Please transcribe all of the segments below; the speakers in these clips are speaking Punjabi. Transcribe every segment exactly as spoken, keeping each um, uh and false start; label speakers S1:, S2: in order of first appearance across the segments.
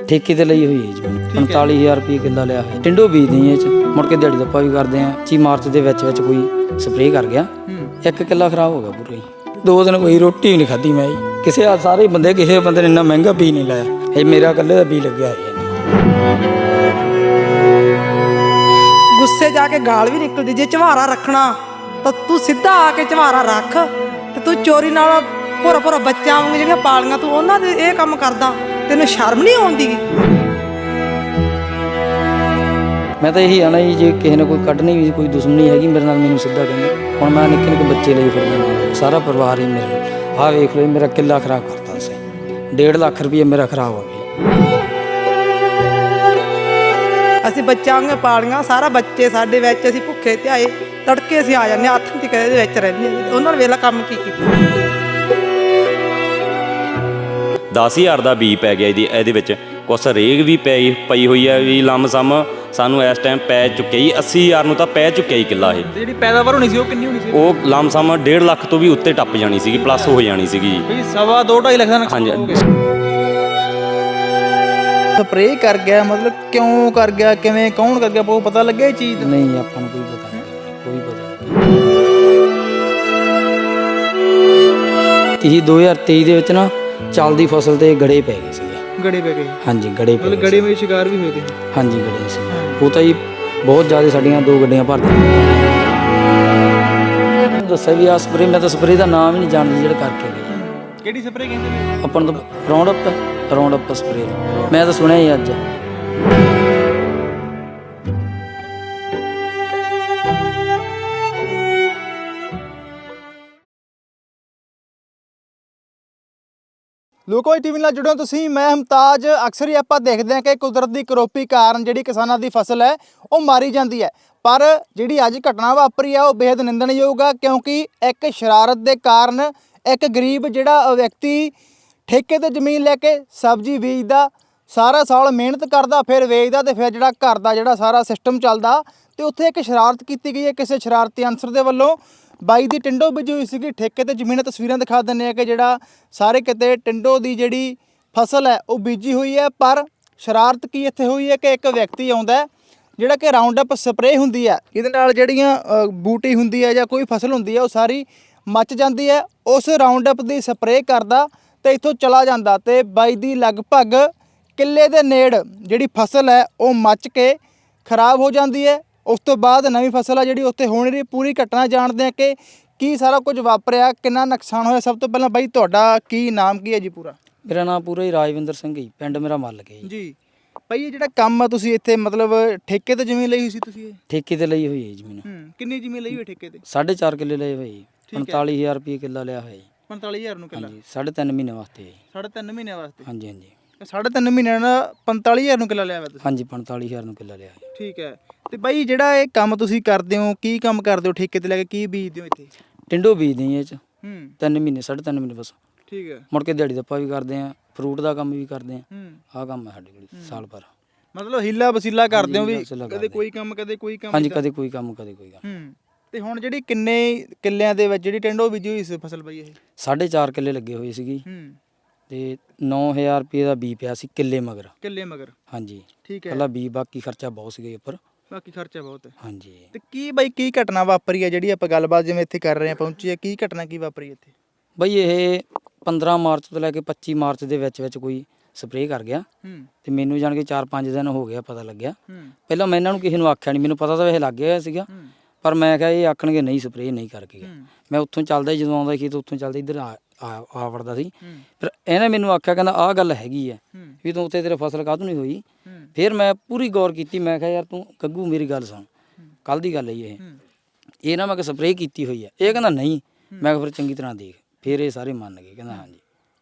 S1: ਠੇਕੇ ਤੇ ਲਈ ਹੋਈ ਹੈ ਜੀ। ਪੰਤਾਲੀ ਹਜ਼ਾਰ ਰੁਪਏ ਕਿੱਲਾ ਲਿਆ ਹੈ। ਟਿੰਡੋ ਬੀਜਦੇ ਇਹ ਚ, ਮੁੜ ਕੇ ਦਿਹਾੜੀ ਦੱਪਾ ਵੀ ਕਰਦੇ ਆ। ਚੀ ਮਾਰਚ ਦੇ ਵਿੱਚ ਵਿੱਚ ਕੋਈ ਸਪਰੇਅ ਕਰ ਗਿਆ, ਇੱਕ ਕਿੱਲਾ ਖਰਾਬ ਹੋ ਗਿਆ ਪੂਰਾ ਹੀ। ਦੋ ਦਿਨ ਕੋਈ ਰੋਟੀ ਵੀ ਨਹੀਂ ਖਾਧੀ ਮੈਂ ਜੀ। ਕਿਸੇ ਆ ਸਾਰੇ ਬੰਦੇ ਕਿਸੇ ਬੰਦੇ ਨੇ ਇੰਨਾ ਮਹਿੰਗਾ ਬੀਜ ਨਹੀਂ ਲਾਇਆ, ਇਹ ਮੇਰਾ ਇਕੱਲੇ ਦਾ ਬੀਜ ਲੱਗਿਆ ਹੈ।
S2: ਗੁੱਸੇ ਜਾ ਕੇ ਗਾਲ ਵੀ ਨਿਕਲਦੀ, ਜੇ ਝਵਾਰਾ ਰੱਖਣਾ ਤਾਂ ਤੂੰ ਸਿੱਧਾ ਆ ਕੇ ਝਵਾਰਾ ਰੱਖ, ਤੇ ਤੂੰ ਚੋਰੀ ਨਾਲ ਭੋਰਾ ਭੋਰਾ ਬੱਚਿਆਂ ਵਾਂਗ ਜਿਹੜੀਆਂ ਪਾਲੀਆਂ ਤੂੰ ਉਹਨਾਂ ਦੇ ਇਹ ਕੰਮ ਕਰਦਾ, ਤੈਨੂੰ ਸ਼ਰਮ ਨਹੀਂ ਆਉਂਦੀ?
S1: ਮੈਂ ਤਾਂ ਇਹੀ ਆਣਾ ਜੀ, ਜੇ ਕਿਸੇ ਨੇ ਕੋਈ ਕੱਢਣੀ ਵੀ ਕੋਈ ਦੁਸ਼ਮਣੀ ਹੈਗੀ ਮੇਰੇ ਨਾਲ, ਮੈਨੂੰ ਸਿੱਧਾ ਕਹਿੰਦੇ। ਹੁਣ ਮੈਂ ਨਿੱਕੇ ਨਿੱਕੇ ਬੱਚੇ ਲਈ ਫਿਰਦਾ ਨਾਲ, ਸਾਰਾ ਪਰਿਵਾਰ ਹੀ ਮੇਰਾ। ਆਹ ਵੇਖ ਲਓ ਮੇਰਾ ਕਿੱਲਾ ਖਰਾਬ ਕਰਤਾ ਸੀ, ਡੇਢ ਲੱਖ ਰੁਪਏ ਮੇਰਾ ਖਰਾਬ ਹੋ ਗਿਆ।
S2: ਅਸੀਂ ਬੱਚਿਆਂ ਵਾਂਗ ਪਾਲੀਆਂ, ਸਾਰਾ ਬੱਚੇ ਸਾਡੇ ਵਿੱਚ, ਅਸੀਂ ਭੁੱਖੇ ਧਿਆਏ, ਤੜਕੇ ਅਸੀਂ ਆ ਜਾਂਦੇ, ਹੱਥ ਦੀ ਕਦੇ ਦੇ ਵਿੱਚ ਰਹਿੰਦੇ। ਉਹਨਾਂ ਨੇ ਵੇਲਾ ਕੰਮ ਕੀ ਕੀਤਾ।
S3: ਦਸ ਹਜ਼ਾਰ ਦਾ ਬੀ ਪੈ ਗਿਆ ਇਹਦੀ ਇਹਦੇ ਵਿੱਚ, ਕੁਛ ਰੇਗ ਵੀ ਪਈ ਪਈ ਹੋਈ ਹੈ ਵੀ ਲੰਮਸਮ ਸਾਨੂੰ ਇਸ ਟਾਈਮ ਪੈ ਚੁੱਕਿਆ ਜੀ। ਅੱਸੀ ਹਜ਼ਾਰ ਨੂੰ ਤਾਂ ਪੈ ਚੁੱਕਿਆ ਜੀ ਕਿੱਲਾ ਇਹ।
S4: ਜਿਹੜੀ ਪੈਦਾਵਾਰ ਹੋਣੀ ਸੀ ਉਹ ਕਿੰਨੀ ਹੋਣੀ ਸੀ?
S3: ਉਹ ਲੰਮਸਮ ਡੇਢ ਲੱਖ ਤੋਂ ਵੀ ਉੱਤੇ ਟੱਪ ਜਾਣੀ ਸੀਗੀ, ਪਲੱਸ ਹੋ ਜਾਣੀ ਸੀਗੀ ਜੀ।
S4: ਬਈ ਸਵਾ ਦੋ ਢਾਈ ਲੱਖ ਦਾ ਨੁਕਸਾਨ ਹੋ ਗਿਆ। ਸਪਰੇਅ ਕਰ ਗਿਆ ਮਤਲਬ ਕਿਉਂ ਕਰ ਗਿਆ, ਕਿਵੇਂ, ਕੌਣ ਕਰ ਗਿਆ, ਬਹੁਤ ਪਤਾ ਲੱਗਿਆ ਇਹ ਚੀਜ਼ ਦਾ?
S1: ਨਹੀਂ, ਆਪਾਂ ਨੂੰ ਕੋਈ ਪਤਾ ਨਹੀਂ, ਕੋਈ ਪਤਾ ਨਹੀਂ। ਦੋ ਹਜ਼ਾਰ ਤੇਈ ਦੇ ਵਿੱਚ ਨਾ ਚੱਲਦੀ ਫਸਲ ਤੇ ਗੜੇ ਪੈ ਗਏ ਸੀਗੇ।
S4: ਗੜੇ ਪੈ ਗਏ?
S1: ਹਾਂਜੀ, ਗੜੇ ਪੈ ਗਏ।
S4: ਗੜੇ ਵਿੱਚ ਸ਼ਿਕਾਰ ਵੀ ਹੋਏ ਤੇ?
S1: ਹਾਂਜੀ, ਗੜੇ ਸੀ। ਉਹ ਤਾਂ ਜੀ ਬਹੁਤ ਜ਼ਿਆਦਾ, ਸਾਡੀਆਂ ਦੋ ਗੱਡੀਆਂ ਭਰ ਦਿੱਤੀਆਂ। ਦੱਸਿਆ ਵੀ ਆ ਸਪਰੇਅ, ਮੈਂ ਤਾਂ ਸਪਰੇਅ ਦਾ ਨਾਮ ਹੀ ਨਹੀਂ ਜਾਣਦੀ ਜਿਹੜਾ ਕਰਕੇ ਗਏ।
S4: ਕਿਹੜੀ ਸਪਰੇਅ ਕਹਿੰਦੇ ਨੇ
S1: ਆਪਾਂ ਨੂੰ ਤਾਂ Roundup Roundup spray, ਮੈਂ ਤਾਂ ਸੁਣਿਆ ਹੀ ਅੱਜ।
S4: ਲੋਕੋਈ ਟੀਵੀ ਨਾਲ ਜੁੜੋ ਤੁਸੀਂ, ਮੈਂ ਹਮਤਾਜ। ਅਕਸਰ ਹੀ ਆਪਾਂ ਦੇਖਦੇ ਹਾਂ ਕਿ ਕੁਦਰਤ ਦੀ ਕਰੋਪੀ ਕਾਰਨ ਜਿਹੜੀ ਕਿਸਾਨਾਂ ਦੀ ਫਸਲ ਹੈ ਉਹ ਮਾਰੀ ਜਾਂਦੀ ਹੈ, ਪਰ ਜਿਹੜੀ ਅੱਜ ਘਟਨਾ ਵਾਪਰੀ ਹੈ ਉਹ ਬੇहद ਨਿੰਦਣਯੋਗ ਹੈ, ਕਿਉਂਕਿ ਇੱਕ ਸ਼ਰਾਰਤ ਦੇ ਕਾਰਨ ਇੱਕ ਗਰੀਬ ਜਿਹੜਾ ਵਿਅਕਤੀ ਠੇਕੇ ਤੇ ਜ਼ਮੀਨ ਲੈ ਕੇ ਸਬਜ਼ੀ ਬੀਜਦਾ, ਸਾਰਾ ਸਾਲ ਮਿਹਨਤ ਕਰਦਾ, ਫਿਰ ਵੇਚਦਾ, ਤੇ ਫਿਰ ਜਿਹੜਾ ਘਰ ਦਾ ਜਿਹੜਾ ਸਾਰਾ ਸਿਸਟਮ ਚੱਲਦਾ, ਤੇ ਉੱਥੇ ਇੱਕ ਸ਼ਰਾਰਤ ਕੀਤੀ ਗਈ ਹੈ ਕਿਸੇ ਸ਼ਰਾਰਤੀ ਅਨਸਰ ਦੇ ਵੱਲੋਂ। ਬਾਈ ਦੀ ਟਿੰਡੋ ਬੀਜੀ ਹੋਈ ਸੀਗੀ ਠੇਕੇ ਤੇ ਜ਼ਮੀਨ, ਤਸਵੀਰਾਂ ਦਿਖਾ ਦਿੰਦੇ ਆ ਕਿ ਜਿਹੜਾ ਸਾਰੇ ਕਿਤੇ ਟਿੰਡੋ ਦੀ ਜਿਹੜੀ ਫਸਲ ਹੈ ਉਹ ਬੀਜੀ ਹੋਈ ਹੈ। ਪਰ ਸ਼ਰਾਰਤ ਕੀ ਇੱਥੇ ਹੋਈ ਹੈ ਕਿ ਇੱਕ ਵਿਅਕਤੀ ਆਉਂਦਾ ਜਿਹੜਾ ਕਿ ਰਾਉਂਡ ਅਪ ਸਪਰੇਅ ਹੁੰਦੀ ਹੈ, ਇਹਦੇ ਨਾਲ ਜਿਹੜੀਆਂ ਬੂਟੀ ਹੁੰਦੀ ਹੈ ਜਾਂ ਕੋਈ ਫਸਲ ਹੁੰਦੀ ਹੈ ਉਹ ਸਾਰੀ ਮੱਚ ਜਾਂਦੀ ਹੈ। ਉਸ ਰਾਉਂਡ ਅਪ ਦੀ ਸਪਰੇਅ ਕਰਦਾ ਤੇ ਇੱਥੋਂ ਚਲਾ ਜਾਂਦਾ, ਤੇ ਬਾਈ ਦੀ ਲਗਭਗ ਕਿੱਲੇ ਦੇ ਨੇੜ ਜਿਹੜੀ ਫਸਲ ਹੈ ਉਹ ਮੱਚ ਕੇ ਖਰਾਬ ਹੋ ਜਾਂਦੀ ਹੈ। ਉਸ ਤੋਂ ਬਾਅਦ ਨਵੀਂ ਫਸਲ ਆ ਜਿਹੜੀ ਉੱਥੇ ਹੋਣੀ ਰਹੀ। ਪੂਰੀ ਘਟਨਾ ਜਾਣਦੇ ਆ ਕਿ ਕੀ ਸਾਰਾ ਕੁਝ ਵਾਪਰਿਆ, ਕਿੰਨਾ ਨੁਕਸਾਨ ਹੋਇਆ। ਸਭ ਤੋਂ ਪਹਿਲਾਂ ਬਾਈ ਤੁਹਾਡਾ ਕੀ ਨਾਮ ਕੀ ਹੈ ਜੀ ਪੂਰਾ?
S1: ਮੇਰਾ ਨਾਮ ਪੂਰਾ ਹੀ ਰਾਜਵਿੰਦਰ ਸਿੰਘ ਜੀ, ਪਿੰਡ ਮੇਰਾ ਮੱਲ ਕੇ ਜੀ।
S4: ਜੀ ਭਾਈ, ਇਹ ਜਿਹੜਾ ਕੰਮ ਆ ਤੁਸੀਂ ਇੱਥੇ ਮਤਲਬ ਠੇਕੇ ਤੇ ਜ਼ਮੀਨ ਲਈ ਹੋਈ ਸੀ ਤੁਸੀਂ? ਇਹ
S1: ਠੇਕੇ ਤੇ ਲਈ ਹੋਈ ਹੈ ਜ਼ਮੀਨ।
S4: ਹੂੰ, ਕਿੰਨੀ ਜ਼ਮੀਨ ਲਈ ਹੋਈ ਠੇਕੇ ਤੇ?
S1: ਸਾਢੇ ਚਾਰ ਕਿੱਲੇ ਲਏ ਹੋਏ ਜੀ। ਪੰਤਾਲੀ ਹਜ਼ਾਰ ਰੁਪਏ ਕਿੱਲਾ ਲਿਆ ਹੋਇਆ ਜੀ।
S4: ਪੰਤਾਲੀ ਹਜ਼ਾਰ ਨੂੰ ਕਿੱਲਾ?
S1: ਹਾਂਜੀ, ਸਾਢੇ ਤਿੰਨ ਮਹੀਨੇ ਵਾਸਤੇ ਜੀ।
S4: ਸਾਢੇ ਤਿੰਨ ਮਹੀਨਿਆਂ ਵਾਸਤੇ?
S1: ਹਾਂਜੀ ਹਾਂਜੀ।
S4: ਸਾਢੇ ਤਿੰਨ ਮਹੀਨਿਆਂ ਦਾ ਪੰਤਾਲੀ ਹਜ਼ਾਰ ਨੂੰ ਕਿੱਲਾ ਲਿਆ ਹੋਇਆ ਤੁਸੀਂ?
S1: ਹਾਂਜੀ, ਪੰਤਾਲੀ ਹਜ਼ਾਰ ਨੂੰ ਕਿੱਲਾ ਲਿਆ।
S4: ਠੀਕ ਹੈ। ਤੇ ਬਾਈ ਜਿਹੜਾ ਇਹ ਕੰਮ ਤੁਸੀਂ ਕਰਦੇ ਹੋ, ਕੀ ਕੰਮ ਕਰਦੇ ਹੋ ਠੇਕੇ ਤੇ ਲੈ ਕੇ, ਕੀ ਬੀਜਦੇ ਹੋ ਇੱਥੇ?
S1: ਟਿੰਡੋ ਬੀਜਦੇ ਇਹ ਚ।
S4: ਹੂੰ,
S1: ਤਿੰਨ ਮਹੀਨੇ ਸਾਢੇ ਤਿੰਨ ਮਹੀਨੇ ਬਸ।
S4: ਠੀਕ ਹੈ।
S1: ਮੁੜ ਕੇ ਦਿਹਾੜੀ ਦੱਪਾ ਵੀ ਕਰਦੇ ਆ, ਫਰੂਟ ਦਾ ਕੰਮ ਵੀ ਕਰਦੇ ਆ।
S4: ਹੂੰ,
S1: ਆਹ ਕੰਮ ਹੈ ਸਾਡੇ ਕੋਲ ਸਾਲ ਭਰ।
S4: ਮਤਲਬ ਹੀਲਾ ਵਸੀਲਾ ਕਰਦੇ ਹੋ ਵੀ,
S1: ਵਸੀਲਾ
S4: ਕਦੇ
S1: ਕਰਦੇ।
S4: ਕੋਈ ਕੰਮ ਕਦੇ ਕੋਈ ਕੰਮ?
S1: ਹਾਂਜੀ, ਕਦੇ ਕੋਈ ਕੰਮ ਕਦੇ ਕੋਈ ਕੰਮ।
S4: ਹੂੰ। ਤੇ ਹੁਣ ਜਿਹੜੀ ਕਿੰਨੇ ਕਿੱਲਿਆਂ ਦੇ ਵਿੱਚ ਜਿਹੜੀ ਟਿੰਡੋ ਬੀਜੀ ਹੋਈ ਸੀ ਫਸਲ ਬਾਈ ਇਹ?
S1: ਸਾਢੇ ਚਾਰ ਕਿੱਲੇ ਲੱਗੇ ਹੋਏ ਸੀਗੀ,
S4: ਹੂੰ,
S1: ਤੇ ਨੌ ਹਜ਼ਾਰ ਰੁਪਏ ਦਾ ਬੀ ਪਿਆ ਸੀ ਕਿੱਲੇ ਮਗਰ।
S4: ਕਿੱਲੇ ਮਗਰ?
S1: ਹਾਂਜੀ,
S4: ਠੀਕ ਹੈ।
S1: ਕੱਲਾ ਬੀ, ਬਾਕੀ ਖਰਚਾ ਬਹੁਤ ਸੀਗਾ ਉੱਪਰ।
S4: ਬਾਕੀ ਖਰਚਾ ਬਹੁਤ ਹੈ।
S1: ਹਾਂਜੀ।
S4: ਤੇ ਕੀ ਬਾਈ ਕੀ ਘਟਨਾ ਵਾਪਰੀ ਹੈ ਜਿਹੜੀ ਆਪਾਂ ਗੱਲਬਾਤ ਜਿਵੇਂ ਇੱਥੇ ਕਰ ਰਹੇ ਆ, ਪਹੁੰਚੀ ਹੈ, ਕੀ ਘਟਨਾ ਕੀ ਵਾਪਰੀ ਇੱਥੇ?
S1: ਬਈ ਇਹ ਪੰਦਰਾਂ ਮਾਰਚ ਤੋਂ ਲੈ ਕੇ ਪੱਚੀ ਮਾਰਚ ਦੇ ਵਿੱਚ ਵਿੱਚ ਕੋਈ ਸਪਰੇਅ ਕਰ ਗਿਆ,
S4: ਹੂੰ,
S1: ਤੇ ਮੈਨੂੰ ਜਾਣ ਕੇ ਚਾਰ ਪੰਜ ਦਿਨ ਹੋ ਗਿਆ ਪਤਾ ਲੱਗਿਆ।
S4: ਹੂੰ,
S1: ਪਹਿਲਾਂ ਮੈਂ ਇਹਨਾਂ ਨੂੰ ਕਿਸੇ ਨੂੰ ਆਖਿਆ ਨਹੀਂ, ਮੈਨੂੰ ਪਤਾ ਤਾਂ ਵੈਸੇ ਲੱਗ ਗਿਆ ਸੀਗਾ,
S4: ਹੂੰ,
S1: ਪਰ ਮੈਂ ਕਿਹਾ ਇਹ ਆਖਣਗੇ ਨਹੀਂ ਸਪਰੇਅ ਨਹੀਂ ਕਰਕੇ ਗਿਆ।
S4: ਹੂੰ,
S1: ਮੈਂ ਉੱਥੋਂ ਚੱਲਦਾ ਹੀ ਜਦੋਂ ਆਉਂਦਾ ਸੀ ਤਾਂ ਉੱਥੋਂ ਚੱਲਦਾ ਇੱਧਰ ਆ ਆ ਆ ਵੜਦਾ ਸੀ।
S4: ਹੂੰ,
S1: ਫਿਰ ਇਹਨੇ ਮੈਨੂੰ ਆਖਿਆ, ਕਹਿੰਦਾ ਆਹ ਗੱਲ ਹੈਗੀ ਹੈ
S4: ਹੂੰ,
S1: ਵੀ ਤੂੰ ਉੱਥੇ ਤੇਰੇ ਫਸਲ ਕਾਹਤੋਂ ਨਹੀਂ ਹੋਈ।
S4: ਹੂੰ,
S1: ਫਿਰ ਮੈਂ ਪੂਰੀ ਗੌਰ ਕੀਤੀ, ਮੈਂ ਕਿਹਾ ਯਾਰ ਤੂੰ ਗੱਗੂ ਮੇਰੀ ਗੱਲ ਸੁਣ, ਕੱਲ੍ਹ ਦੀ ਗੱਲ ਹੈ ਇਹ
S4: ਹੂੰ,
S1: ਇਹ ਨਾ ਮੈਂ ਕਿ ਸਪਰੇਅ ਕੀਤੀ ਹੋਈ ਹੈ। ਇਹ ਕਹਿੰਦਾ ਨਹੀਂ। ਮੈਂ ਕਿਹਾ ਫਿਰ ਚੰਗੀ ਤਰ੍ਹਾਂ ਦੇਖ। ਫਿਰ ਇਹ ਸਾਰੇ ਮੰਨ ਗਏ, ਕਹਿੰਦਾ ਹਾਂਜੀ।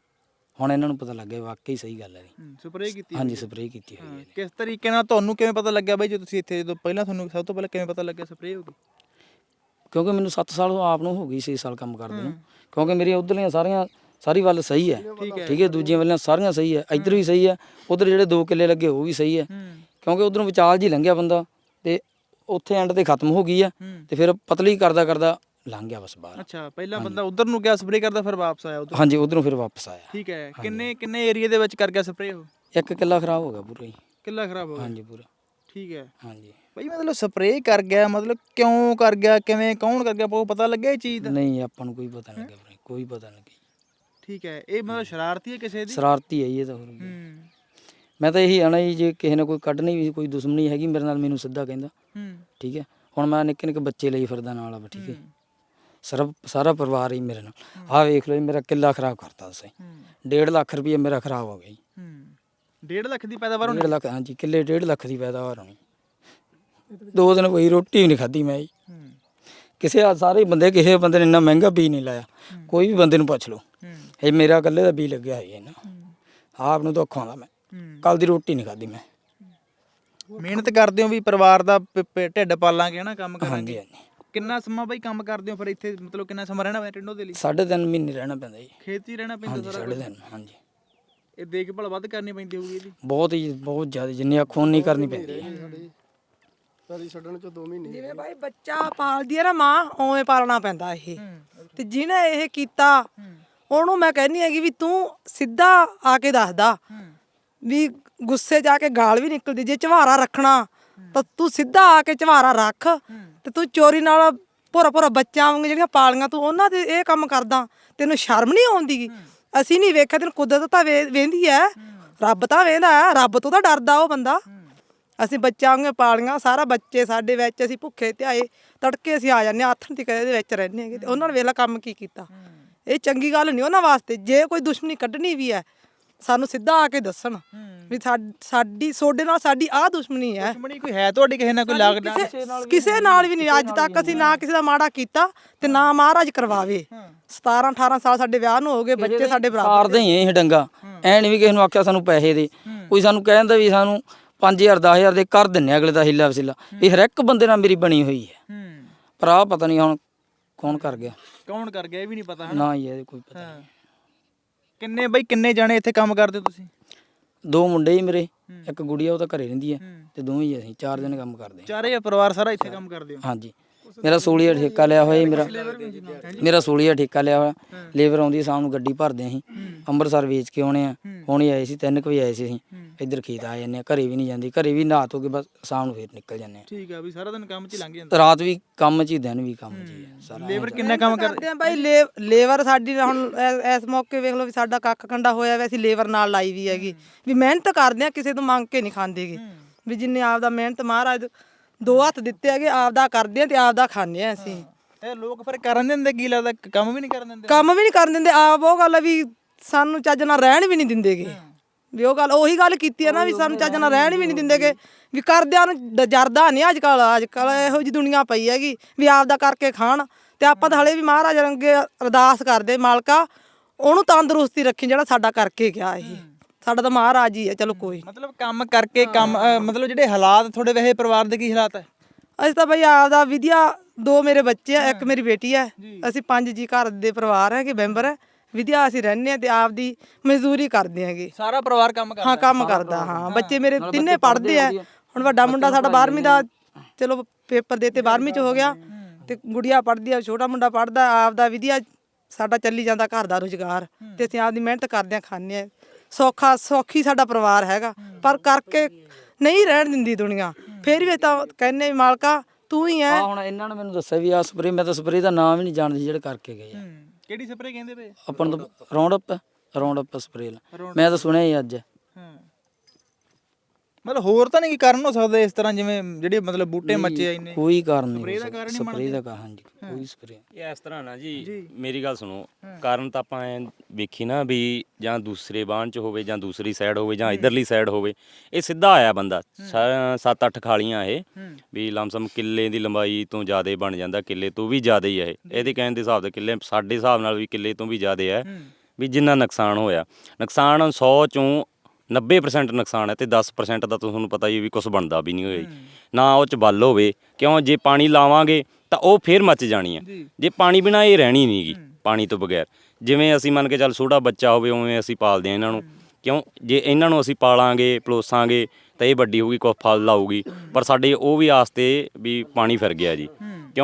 S1: ਹੁਣ ਇਹਨਾਂ ਨੂੰ ਪਤਾ ਲੱਗ ਗਿਆ ਵਾਕਈ ਸਹੀ ਗੱਲ ਹੈ।
S4: ਸਪਰੇਅ ਕੀਤੀ?
S1: ਹਾਂਜੀ, ਸਪਰੇਅ ਕੀਤੀ ਹੋਈ ਹੈ।
S4: ਕਿਸ ਤਰੀਕੇ ਨਾਲ ਤੁਹਾਨੂੰ ਕਿਵੇਂ ਪਤਾ ਲੱਗਿਆ ਬਾਈ, ਜੇ ਤੁਸੀਂ ਇੱਥੇ ਜਦੋਂ ਪਹਿਲਾਂ ਤੁਹਾਨੂੰ ਸਭ ਤੋਂ ਪਹਿਲਾਂ ਕਿਵੇਂ ਪਤਾ ਲੱਗਿਆ ਸਪਰੇਅ ਹੋ ਗਈ?
S1: ਕਿਉਂਕਿ ਮੈਨੂੰ ਸੱਤ ਸਾਲ ਆਪ ਨੂੰ ਹੋ ਗਈ ਛੇ ਸਾਲ ਕੰਮ ਕਰਦੇ ਨੂੰ, ਕਿਉਂਕਿ ਮੇਰੀਆਂ ਉੱਧਰਲੀਆਂ ਸਾਰੀਆਂ ਸਾਰੀ ਵੱਲ ਸਹੀ ਹੈ। ਠੀਕ ਹੈ, ਦੂਜੀਆਂ ਵੱਲਾਂ ਸਾਰੀਆਂ ਸਹੀ ਹੈ, ਇੱਧਰ ਵੀ ਸਹੀ ਹੈ, ਉੱਧਰ ਜਿਹੜੇ ਦੋ ਕਿੱਲੇ ਲੱਗੇ ਉਹ ਵੀ ਸਹੀ ਹੈ। ਕਿਉਂਕਿ ਉੱਧਰੋਂ ਵਿਚਾਲ ਜੀ ਲੰਘਿਆ ਬੰਦਾ, ਤੇ ਉੱਥੇ ਐਂਡ ਤੇ ਖਤਮ ਹੋ ਗਈ ਆ, ਤੇ ਫਿਰ ਪਤਲੀ ਕਰਦਾ ਕਰਦਾ ਲੰਘ ਗਿਆ ਬਸ ਬਾਹਰ।
S4: ਅੱਛਾ, ਪਹਿਲਾਂ ਬੰਦਾ ਉਧਰ ਨੂੰ ਗਿਆ ਸਪਰੇਅ ਕਰਦਾ, ਫਿਰ ਵਾਪਸ ਆਇਆ ਉਧਰ?
S1: ਹਾਂਜੀ, ਉਧਰੋਂ ਫਿਰ ਵਾਪਸ ਆਇਆ।
S4: ਠੀਕ ਹੈ। ਕਿੰਨੇ ਕਿੰਨੇ ਏਰੀਆ ਦੇ ਵਿੱਚ ਕਰ ਗਿਆ ਸਪਰੇਅ ਉਹ?
S1: ਇੱਕ ਕਿੱਲਾ ਖਰਾਬ ਹੋ ਗਿਆ ਪੂਰਾ ਹੀ।
S4: ਕਿੱਲਾ ਖਰਾਬ ਹੋ ਗਿਆ।
S1: ਹਾਂਜੀ ਪੂਰਾ।
S4: ਠੀਕ ਹੈ
S1: ਹਾਂਜੀ
S4: ਬਈ, ਮਤਲਬ ਸਪਰੇਅ ਕਰ ਗਿਆ, ਮਤਲਬ ਕਿਉਂ ਕਰ ਗਿਆ, ਕਿਵੇਂ, ਕੌਣ ਕਰ ਗਿਆ, ਉਹ ਪਤਾ ਲੱਗਿਆ ਇਹ ਚੀਜ਼ ਦਾ?
S1: ਨਹੀਂ ਆਪਾਂ ਨੂੰ ਕੋਈ ਪਤਾ ਨਹੀਂ ਲੱਗਿਆ ਵੀਰੇ, ਕੋਈ ਪਤਾ ਨਹੀਂ ਲੱਗਿਆ।
S4: ਠੀਕ ਹੈ, ਇਹ ਮਤਲਬ ਸ਼ਰਾਰਤੀ ਹੈ ਕਿਸੇ ਦੀ?
S1: ਸ਼ਰਾਰਤੀ ਹੈ ਜੀ ਇਹ ਤਾਂ ਹੋਰ ਕੀ।
S4: ਹੂੰ
S1: ਮੈਂ ਤਾਂ ਇਹੀ ਆਣਾ ਜੀ, ਜੇ ਕਿਸੇ ਨੇ ਕੋਈ ਕੱਢਣੀ ਵੀ ਕੋਈ ਦੁਸ਼ਮਣੀ ਹੈਗੀ ਮੇਰੇ ਨਾਲ, ਮੈਨੂੰ ਸਿੱਧਾ ਕਹਿੰਦਾ
S4: ਹੂੰ
S1: ਠੀਕ ਹੈ। ਹੁਣ ਮੈਂ ਨਿੱਕੇ ਨਿੱਕੇ ਬੱਚੇ ਲਈ ਫਿਰਦਾ ਨਾਲ ਆ, ਠੀਕ ਹੈ। ਸਾਰਾ ਸਾਰਾ ਪਰਿਵਾਰ ਹੀ ਮੇਰੇ ਨਾਲ। ਆਹ ਵੇਖ ਲਓ ਜੀ, ਮੇਰਾ ਕਿੱਲਾ ਖਰਾਬ ਕਰਤਾ ਤੁਸੀਂ। ਡੇਢ ਲੱਖ ਰੁਪਏ ਮੇਰਾ ਖਰਾਬ ਹੋ ਗਿਆ ਜੀ।
S4: ਹੂੰ ਡੇਢ ਲੱਖ ਦੀ ਪੈਦਾਵਾਰ ਹੋਣੀ?
S1: ਡੇਢ ਲੱਖ, ਹਾਂਜੀ ਕਿੱਲੇ ਡੇਢ ਲੱਖ ਦੀ ਪੈਦਾਵਾਰ ਹੋਣੀ। ਦੋ ਦਿਨ ਕੋਈ ਰੋਟੀ ਵੀ ਨਹੀਂ ਖਾਧੀ ਮੈਂ ਜੀ।
S4: ਹੂੰ
S1: ਕਿਸੇ ਆ ਸਾਰੇ ਬੰਦੇ, ਕਿਸੇ ਬੰਦੇ ਨੇ ਇੰਨਾ ਮਹਿੰਗਾ ਬੀਜ ਨਹੀਂ ਲਾਇਆ। ਕੋਈ ਵੀ ਬੰਦੇ ਨੂੰ ਪੁੱਛ ਲਓ, ਇਹ ਮੇਰਾ ਇਕੱਲੇ ਦਾ ਬੀਜ ਲੱਗਿਆ ਹੈ ਨਾ। ਆਪ ਨੂੰ ਦੁੱਖ ਆਉਂਦਾ, ਮੈਂ ਕੱਲ ਦੀ ਰੋਟੀ ਨਹੀਂ ਖਾਧੀ ਮੈਂ।
S4: ਮਿਹਨਤ ਕਰਦੇ ਹੋ ਵੀ ਪਰਿਵਾਰ ਦਾ ਪ- ਪ- ਢਿੱਡ ਪਾਲਾਂਗੇ ਹਨਾ, ਕੰਮ
S1: ਹਾਂਜੀ
S4: ਕਰਾਂਗੇ।
S1: ਹਾਂਜੀ
S4: ਕਿੰਨਾ ਸਮਾਂ ਬਈ ਕੰਮ ਕਰਦੇ ਹੋ ਫਿਰ ਇੱਥੇ, ਮਤਲਬ ਕਿੰਨਾ ਸਮਾਂ ਰਹਿਣਾ ਪੈਂਦਾ ਟਿੰਡੋ ਦੇ ਲਈ?
S1: ਸਾਢੇ ਤਿੰਨ ਮਹੀਨੇ ਰਹਿਣਾ ਪੈਂਦਾ ਜੀ।
S4: ਖੇਤ 'ਚ ਹੀ ਰਹਿਣਾ ਪੈਂਦਾ
S1: ਹਾਂਜੀ
S4: ਸਾਰਾ
S1: ਸਾਢੇ
S4: ਕੁਛ?
S1: ਤਿੰਨ, ਹਾਂਜੀ
S4: ਇਹ ਦੇਖਭਾਲ ਵੱਧ ਕਰਨੀ ਪੈਂਦੀ ਹੋਊਗੀ ਇਹਦੀ?
S1: ਬਹੁਤ ਹੀ ਬਹੁਤ ਜ਼ਿਆਦਾ, ਜਿੰਨੀ ਅੱਖੋਂ ਨਹੀਂ ਕਰਨੀ ਪੈਂਦੀ ਹੈ।
S2: ਜਿਵੇਂ ਬਾਈ ਬੱਚਾ ਪਾਲਦੀ ਹੈ ਨਾ ਮਾਂ, ਉਵੇਂ ਪਾਲਣਾ ਪੈਂਦਾ ਇਹ। ਤੇ ਜਿਹਨੇ ਇਹ ਕੀਤਾ ਉਹਨੂੰ ਮੈਂ ਕਹਿੰਦੀ ਹੈਗੀ ਵੀ ਤੂੰ ਸਿੱਧਾ ਆ ਕੇ ਦੱਸਦਾ ਵੀ ਗੁੱਸੇ ਜਾ ਕੇ ਗਾਲ ਵੀ ਨਿਕਲਦੀ। ਜੇ ਝਵਾਰਾ ਰੱਖਣਾ ਤਾਂ ਤੂੰ ਸਿੱਧਾ ਆ ਕੇ ਝਵਾਰਾ ਰੱਖ, ਤੇ ਤੂੰ ਚੋਰੀ ਨਾਲ ਭੋਰਾ ਭੋਰਾ ਬੱਚਿਆਂ ਵਾਂਗ ਜਿਹੜੀਆਂ ਪਾਲੀਆਂ ਤੂੰ ਉਹਨਾਂ ਦੇ ਇਹ ਕੰਮ ਕਰਦਾ। ਤੈਨੂੰ ਸ਼ਰਮ ਨਹੀਂ ਆਉਂਦੀ? ਅਸੀਂ ਨਹੀਂ ਵੇਖਿਆ, ਤੈਨੂੰ ਕੁਦਰਤ ਤਾਂ ਵੇ ਵੇਂਦੀ ਹੈ, ਰੱਬ ਤਾਂ ਵੇਂਦਾ ਹੈ, ਰੱਬ ਤੋਂ ਤਾਂ ਡਰਦਾ ਉਹ ਬੰਦਾ। ਅਸੀਂ ਬੱਚਿਆਂ ਵਾਂਗ ਪਾਲੀਆਂ, ਸਾਰਾ ਬੱਚੇ ਸਾਡੇ ਵਿੱਚ, ਅਸੀਂ ਭੁੱਖੇ ਧਿਆਏ ਤੜਕੇ ਅਸੀਂ ਆ ਜਾਂਦੇ ਹਾਂ, ਆਥਣ ਤੱਕ ਇਹਦੇ ਵਿੱਚ ਰਹਿੰਦੇ ਹੈਗੇ। ਤੇ ਉਹਨਾਂ ਨੇ ਵੇਲਾ ਕੰਮ ਕੀ ਕੀਤਾ? ਇਹ ਚੰਗੀ ਗੱਲ ਨਹੀਂ ਉਹਨਾਂ ਵਾਸਤੇ। ਜੇ ਕੋਈ ਦੁਸ਼ਮਣੀ ਕੱਢਣੀ ਵੀ ਹੈ, ਸਾਨੂੰ ਸਿੱਧਾ ਆ ਕੇ ਦੱਸਣ ਵੀ ਸਾ- ਸਾਡੀ ਸੋਡੇ ਨਾਲ ਸਾਡੀ ਆਹ ਦੁਸ਼ਮਣੀ ਹੈ।
S4: ਦੁਸ਼ਮਣੀ ਕੋਈ ਹੈ ਤੁਹਾਡੀ ਕਿਸੇ ਨਾਲ, ਕੋਈ ਲੱਗਦਾ?
S2: ਕਿਸੇ ਕਿਸੇ ਨਾਲ ਵੀ ਨਹੀਂ। ਅੱਜ ਤੱਕ ਅਸੀਂ ਨਾ ਕਿਸੇ ਦਾ ਮਾੜਾ ਕੀਤਾ ਤੇ ਨਾ ਮਹਾਰਾਜ ਕਰਵਾਵੇ। ਸਤਾਰਾਂ ਅਠਾਰਾਂ ਸਾਲ ਸਾਡੇ ਵਿਆਹ ਨੂੰ ਹੋ ਗਏ, ਬੱਚੇ ਸਾਡੇ ਬਰਾਬਰ।
S1: ਸਾਰਦੇ ਹੀ ਇਹ ਡੰਗਾ, ਐ ਨਹੀਂ ਵੀ ਕਿਸੇ ਨੂੰ ਆਖਿਆ ਸਾਨੂੰ ਪੈਸੇ ਦੇ। ਕੋਈ ਸਾਨੂੰ ਕਹਿੰਦਾ ਵੀ ਸਾਨੂੰ ਪੰਜ ਹਜ਼ਾਰ ਦਸ ਹਜ਼ਾਰ ਦੇ ਕਰ ਦਿੰਨੇ ਅਗਲੇ ਦਾ ਹਿੱਲਾ ਵਸੀਲਾ। ਇਹ ਹਰ ਇੱਕ ਬੰਦੇ ਨਾਲ ਮੇਰੀ ਬਣੀ ਹੋਈ ਹੈ। ਪਰ ਆਹ ਪਤਾ ਨਹੀਂ ਹੁਣ ਕੌਣ ਕਰ ਗਿਆ,
S4: ਕੌਣ ਕਰ ਗਿਆ ਇਹ ਵੀ ਨਹੀਂ ਪਤਾ ਹਨਾ?
S1: ਨਾ ਹੀ ਇਹਦੇ ਕੋਈ ਪਤਾ ਨਹੀਂ।
S4: ਕਿੰਨੇ ਬਈ, ਕਿੰਨੇ ਜਾਣੇ ਇੱਥੇ ਕੰਮ ਕਰਦੇ ਹੋ ਤੁਸੀਂ?
S1: ਦੋ ਮੁੰਡੇ ਹੀ ਮੇਰੇ, ਇੱਕ ਗੁੜੀਆ ਉਹ ਤਾਂ ਘਰੇ ਰਹਿੰਦੀ ਹੈ, ਤੇ ਦੋਵੇਂ ਹੀ ਅਸੀਂ ਚਾਰ ਦਿਨ ਕੰਮ ਕਰਦੇ ਹਾਂ।
S4: ਚਾਰੇ ਪਰਿਵਾਰ ਸਾਰਾ ਇੱਥੇ ਕੰਮ ਕਰਦੇ ਹੋ?
S1: ਹਾਂਜੀ ਮੇਰਾ ਸੂਲੀਆ ਠੇਕਾ ਲਿਆ ਹੋਇਆ ਜੀ। ਮੇਰਾ ਮੇਰਾ ਸੂਲੀਆ ਠੇਕਾ ਲਿਆ ਹੋਇਆ। ਲੇਬਰ ਆਉਂਦੀ ਸ਼ਾਮ ਨੂੰ, ਗੱਡੀ ਭਰਦੇ ਅਸੀਂ ਅੰਮ੍ਰਿਤਸਰ ਵੇਚ ਕੇ ਆਉਣੇ ਆ। ਹੁਣ ਹੀ ਆਏ ਸੀ, ਤਿੰਨ ਕੁ ਵਜੇ ਆਏ ਸੀ ਅਸੀਂ। ਇੱਧਰ ਖੇਤ ਆ ਜਾਂਦੇ ਆ, ਘਰੇ ਵੀ ਨਹੀਂ ਜਾਂਦੀ। ਘਰੇ ਵੀ ਨਹਾ ਧੋ ਕੇ ਬਸ ਸ਼ਾਮ ਨੂੰ ਫੇਰ ਨਿਕਲ ਜਾਂਦੇ ਆ।
S4: ਠੀਕ ਆ, ਵੀ ਸਾਰਾ ਦਿਨ ਕੰਮ 'ਚ ਹੀ ਲੰਘ ਜਾਂਦਾ?
S1: ਰਾਤ ਵੀ ਕੰਮ 'ਚ ਹੀ, ਦਿਨ ਵੀ ਕੰਮ 'ਚ ਹੀ ਹੈ ਸਾਰਾ।
S4: ਲੇਬਰ ਕਿੰਨਾ ਕੰਮ ਕਰਦੇ?
S2: ਕਰਦੇ ਆ ਬਾਈ। ਲੇ- ਲੇਬਰ ਸਾਡੀ ਹੁਣ ਐ- ਇਸ ਮੌਕੇ ਵੇਖ ਲਓ ਵੀ ਸਾਡਾ ਕੱਖ ਕੰਡਾ ਹੋਇਆ ਵੈ, ਅਸੀਂ ਲੇਬਰ ਨਾਲ ਲਾਈ ਵੀ ਹੈਗੀ। ਵੀ ਮਿਹਨਤ ਕਰਦੇ ਆ, ਕਿਸੇ ਤੋਂ ਮੰਗ ਕੇ ਨਹੀਂ ਖਾਂਦੇਗੇ। ਵੀ ਜਿੰਨੇ ਆਪਦਾ ਮਿਹਨਤ ਮਹਾਰਾਜ ਦੋ ਹੱਥ ਦਿੱਤੇ ਹੈਗੇ, ਆਪਦਾ ਕਰਦੇ ਆ ਤੇ ਆਪਦਾ ਖਾਂਦੇ ਆ ਅਸੀਂ।
S4: ਇਹ ਲੋਕ ਫਿਰ ਕਰਨ ਦਿੰਦੇ? ਕੀ ਲੱਗਦਾ ਕੰਮ ਵੀ ਨਹੀਂ ਕਰਨ ਦਿੰਦੇ?
S2: ਕੰਮ ਵੀ ਨਹੀਂ ਕਰਨ ਦਿੰਦੇ। ਆਪ ਉਹ ਗੱਲ ਆ ਵੀ ਸਾਨੂੰ ਚੱਜ ਨਾਲ ਰਹਿਣ ਵੀ ਨਹੀਂ ਦਿੰਦੇਗੇ। ਵੀ ਉਹ ਗੱਲ ਉਹੀ ਗੱਲ ਕੀਤੀ ਆ ਨਾ, ਵੀ ਸਾਨੂੰ ਚੱਜ ਨਾਲ ਰਹਿਣ ਵੀ ਨਹੀਂ ਦਿੰਦੇਗੇ। ਵੀ ਕਰਦਿਆਂ ਨੂੰ ਡ- ਜਰਦਾ ਨਹੀਂ ਅੱਜ ਕੱਲ। ਅੱਜ ਕੱਲ ਇਹੋ ਜਿਹੀ ਦੁਨੀਆ ਪਈ ਹੈਗੀ ਵੀ ਆਪਦਾ ਕਰਕੇ ਖਾਣ। ਤੇ ਆਪਾਂ ਤਾਂ ਹਲੇ ਵੀ ਮਹਾਰਾਜ ਅੱਗੇ ਅਰਦਾਸ ਕਰਦੇ, ਮਾਲਕਾ ਉਹਨੂੰ ਤੰਦਰੁਸਤੀ ਰੱਖੀ ਜਿਹੜਾ ਸਾਡਾ ਕਰਕੇ ਗਿਆ। ਇਹ ਸਾਡਾ ਤਾਂ ਮਹਾਰਾਜ ਹੀ ਹੈ। ਚਲੋ ਕੋਈ
S4: ਮਤਲਬ ਕੰਮ ਕਰਕੇ ਕੰਮ ਅ, ਮਤਲਬ ਜਿਹੜੇ ਹਾਲਾਤ ਤੁਹਾਡੇ ਵੈਸੇ ਪਰਿਵਾਰ ਦੇ ਕੀ ਹਾਲਾਤ ਹੈ?
S2: ਅਸੀਂ ਤਾਂ ਬਈ ਆਪਦਾ ਵਿਦਿਆ, ਦੋ ਮੇਰੇ ਬੱਚੇ ਆ, ਇੱਕ ਮੇਰੀ ਬੇਟੀ ਹੈ। ਅਸੀਂ ਪੰਜ ਜੀ ਘਰ ਦੇ ਪਰਿਵਾਰ ਹੈਗੇ, ਮੈਂਬਰ ਹੈ। ਵਿਦਿਆ ਅਸੀਂ ਰਹਿੰਦੇ ਆ ਤੇ ਆਪਦੀ ਮਜ਼ਦੂਰੀ ਕਰਦੇ ਹੈਗੇ।
S4: ਸਾਰਾ ਪਰਿਵਾਰ ਕੰਮ ਕਰਦਾ?
S2: ਹਾਂ ਕੰਮ ਕਰਦਾ। ਹਾਂ ਬੱਚੇ ਮੇਰੇ ਤਿੰਨੇ ਪੜ੍ਹਦੇ ਆ। ਹੁਣ ਵੱਡਾ ਮੁੰਡਾ ਸਾਡਾ ਬਾਰਵੀਂ ਦਾ, ਚਲੋ ਪੇਪਰ ਦੇਤੇ, ਬਾਰਵੀਂ ਚ ਹੋ ਗਿਆ। ਤੇ ਗੁੜੀਆ ਪੜ੍ਹਦੀ ਆ, ਛੋਟਾ ਮੁੰਡਾ ਪੜ੍ਹਦਾ। ਆਪਦਾ ਵਿਦਿਆ ਸਾਡਾ ਚੱਲੀ ਜਾਂਦਾ, ਘਰ ਦਾ ਰੁਜ਼ਗਾਰ। ਤੇ ਅਸੀਂ ਆਪਦੀ ਮਿਹਨਤ ਕਰਦੇ ਆ, ਖਾਂਦੇ ਆ। ਸੌਖਾ ਸੌਖੀ ਸਾਡਾ ਪਰਿਵਾਰ ਹੈਗਾ, ਪਰ ਕਰਕੇ ਨਹੀਂ ਰਹਿਣ ਦਿੰਦੀ ਦੁਨੀਆ। ਫੇਰ ਵੀ ਤਾਂ ਕਹਿੰਨੇ ਵੀ ਮਾਲਕਾ ਤੂੰ ਹੀ ਹੈ।
S1: ਆ ਹੁਣ ਇਹਨਾਂ ਨੇ ਮੈਨੂੰ ਦੱਸਿਆ ਵੀ ਆ ਸਪਰੇ, ਮੈਂ ਤਾਂ ਸਪਰੇ ਦਾ ਨਾਮ ਹੀ ਨਹੀਂ ਜਾਣਦੀ ਜਿਹੜੇ ਕਰਕੇ ਗਏ ਆ।
S4: ਕਿਹੜੀ ਸਪਰੇ ਕਹਿੰਦੇ ਪਏ?
S1: ਆਪਾਂ ਨੂੰ ਤਾਂ Roundup Roundup spray, ਮੈਂ ਤਾਂ ਸੁਣਿਆ ਹੀ ਅੱਜ।
S4: ਹਾਂ, ਮਤਲਬ ਹੋਰ ਤਾਂ ਨਹੀਂ ਕੀ ਕਾਰਨ ਹੋ ਸਕਦਾ ਇਸ ਤਰ੍ਹਾਂ, ਜਿਵੇਂ ਜਿਹੜੇ ਮਤਲਬ ਬੂਟੇ ਮੱਚੇ ਆ ਇੰਨੇ?
S1: ਕੋਈ ਕਾਰਨ ਨਹੀਂ
S4: ਸਪਰੇ ਦਾ ਕਾਰਨ ਹੀ
S1: ਸਪਰੇ ਦਾ ਕਾ ਹਾਂਜੀ ਕੋਈ ਸਪਰੇ।
S3: ਇਹ ਇਸ ਤਰ੍ਹਾਂ ਨਾ ਜੀ, ਮੇਰੀ ਗੱਲ ਸੁਣੋ। ਕਾਰਨ ਤਾਂ ਆਪਾਂ ਐ ਵੇਖੀ ਨਾ ਵੀ ਜਾਂ ਦੂਸਰੇ ਬਾਣ ਚ ਹੋਵੇ, ਜਾਂ ਦੂਸਰੀ ਸਾਈਡ ਹੋਵੇ, ਜਾਂ ਇਧਰਲੀ ਸਾਈਡ ਹੋਵੇ। ਇਹ ਸਿੱਧਾ ਆਇਆ ਬੰਦਾ, ਸੱਤ ਅੱਠ ਖਾਲੀਆਂ ਇਹ ਵੀ ਲਮਸਮ ਕਿੱਲੇ ਦੀ ਲੰਬਾਈ ਤੋਂ ਜ਼ਿਆਦਾ ਬਣ ਜਾਂਦਾ, ਕਿੱਲੇ ਤੋਂ ਵੀ ਜ਼ਿਆਦਾ ਹੀ ਇਹ। ਇਹਦੇ ਕਹਿਣ ਦੇ ਹਿਸਾਬ ਦੇ ਕਿੱਲੇ ਸਾਡੇ ਹਿਸਾਬ ਨਾਲ ਵੀ ਕਿੱਲੇ ਤੋਂ ਵੀ ਜ਼ਿਆਦਾ ਹੈ। ਵੀ ਜਿੰਨਾ ਨੁਕਸਾਨ ਹੋਇਆ, ਨੁਕਸਾਨ ਸੌ ਚੋਂ ਨੱਬੇ ਪਰਸੈਂਟ ਨੁਕਸਾਨ ਹੈ, ਤੇ ਦਸ ਪਰਸੈਂਟ ਦਾ ਤੁਹਾਨੂੰ ਪਤਾ ਹੀ ਵੀ ਕੁਛ ਬਣਦਾ ਵੀ ਨਹੀਂ ਹੋਇਆ ਜੀ। ਨਾ ਉਹ 'ਚ ਬਲ ਹੋਵੇ, ਕਿਉਂ ਜੇ ਪਾਣੀ ਲਾਵਾਂਗੇ ਤਾਂ ਉਹ ਫੇਰ ਮੱਚ ਜਾਣੀ ਹੈ। ਜੇ ਪਾਣੀ ਬਿਨਾਂ ਇਹ ਰਹਿਣੀ ਨਹੀਂ ਗੀ, ਪਾਣੀ ਤੋਂ ਬਗੈਰ। ਜਿਵੇਂ ਅਸੀਂ ਮੰਨ ਕੇ ਚੱਲ ਛੋਟਾ ਬੱਚਾ ਹੋਵੇ, ਉਵੇਂ ਅਸੀਂ ਪਾਲਦੇ ਹਾਂ ਇਹਨਾਂ ਨੂੰ। ਕਿਉਂ ਜੇ ਇਹਨਾਂ ਨੂੰ ਅਸੀਂ ਪਾਲਾਂਗੇ, ਪਲੋਸਾਂਗੇ ਤਾਂ ਇਹ ਵੱਡੀ ਹੋਊਗੀ, ਕੁਛ ਫਲ ਲਾਊਗੀ। ਪਰ ਸਾਡੇ ਉਹ ਵੀ ਆਸਤੇ ਵੀ ਪਾਣੀ ਫਿਰ ਗਿਆ ਜੀ। ਕਿਉਂ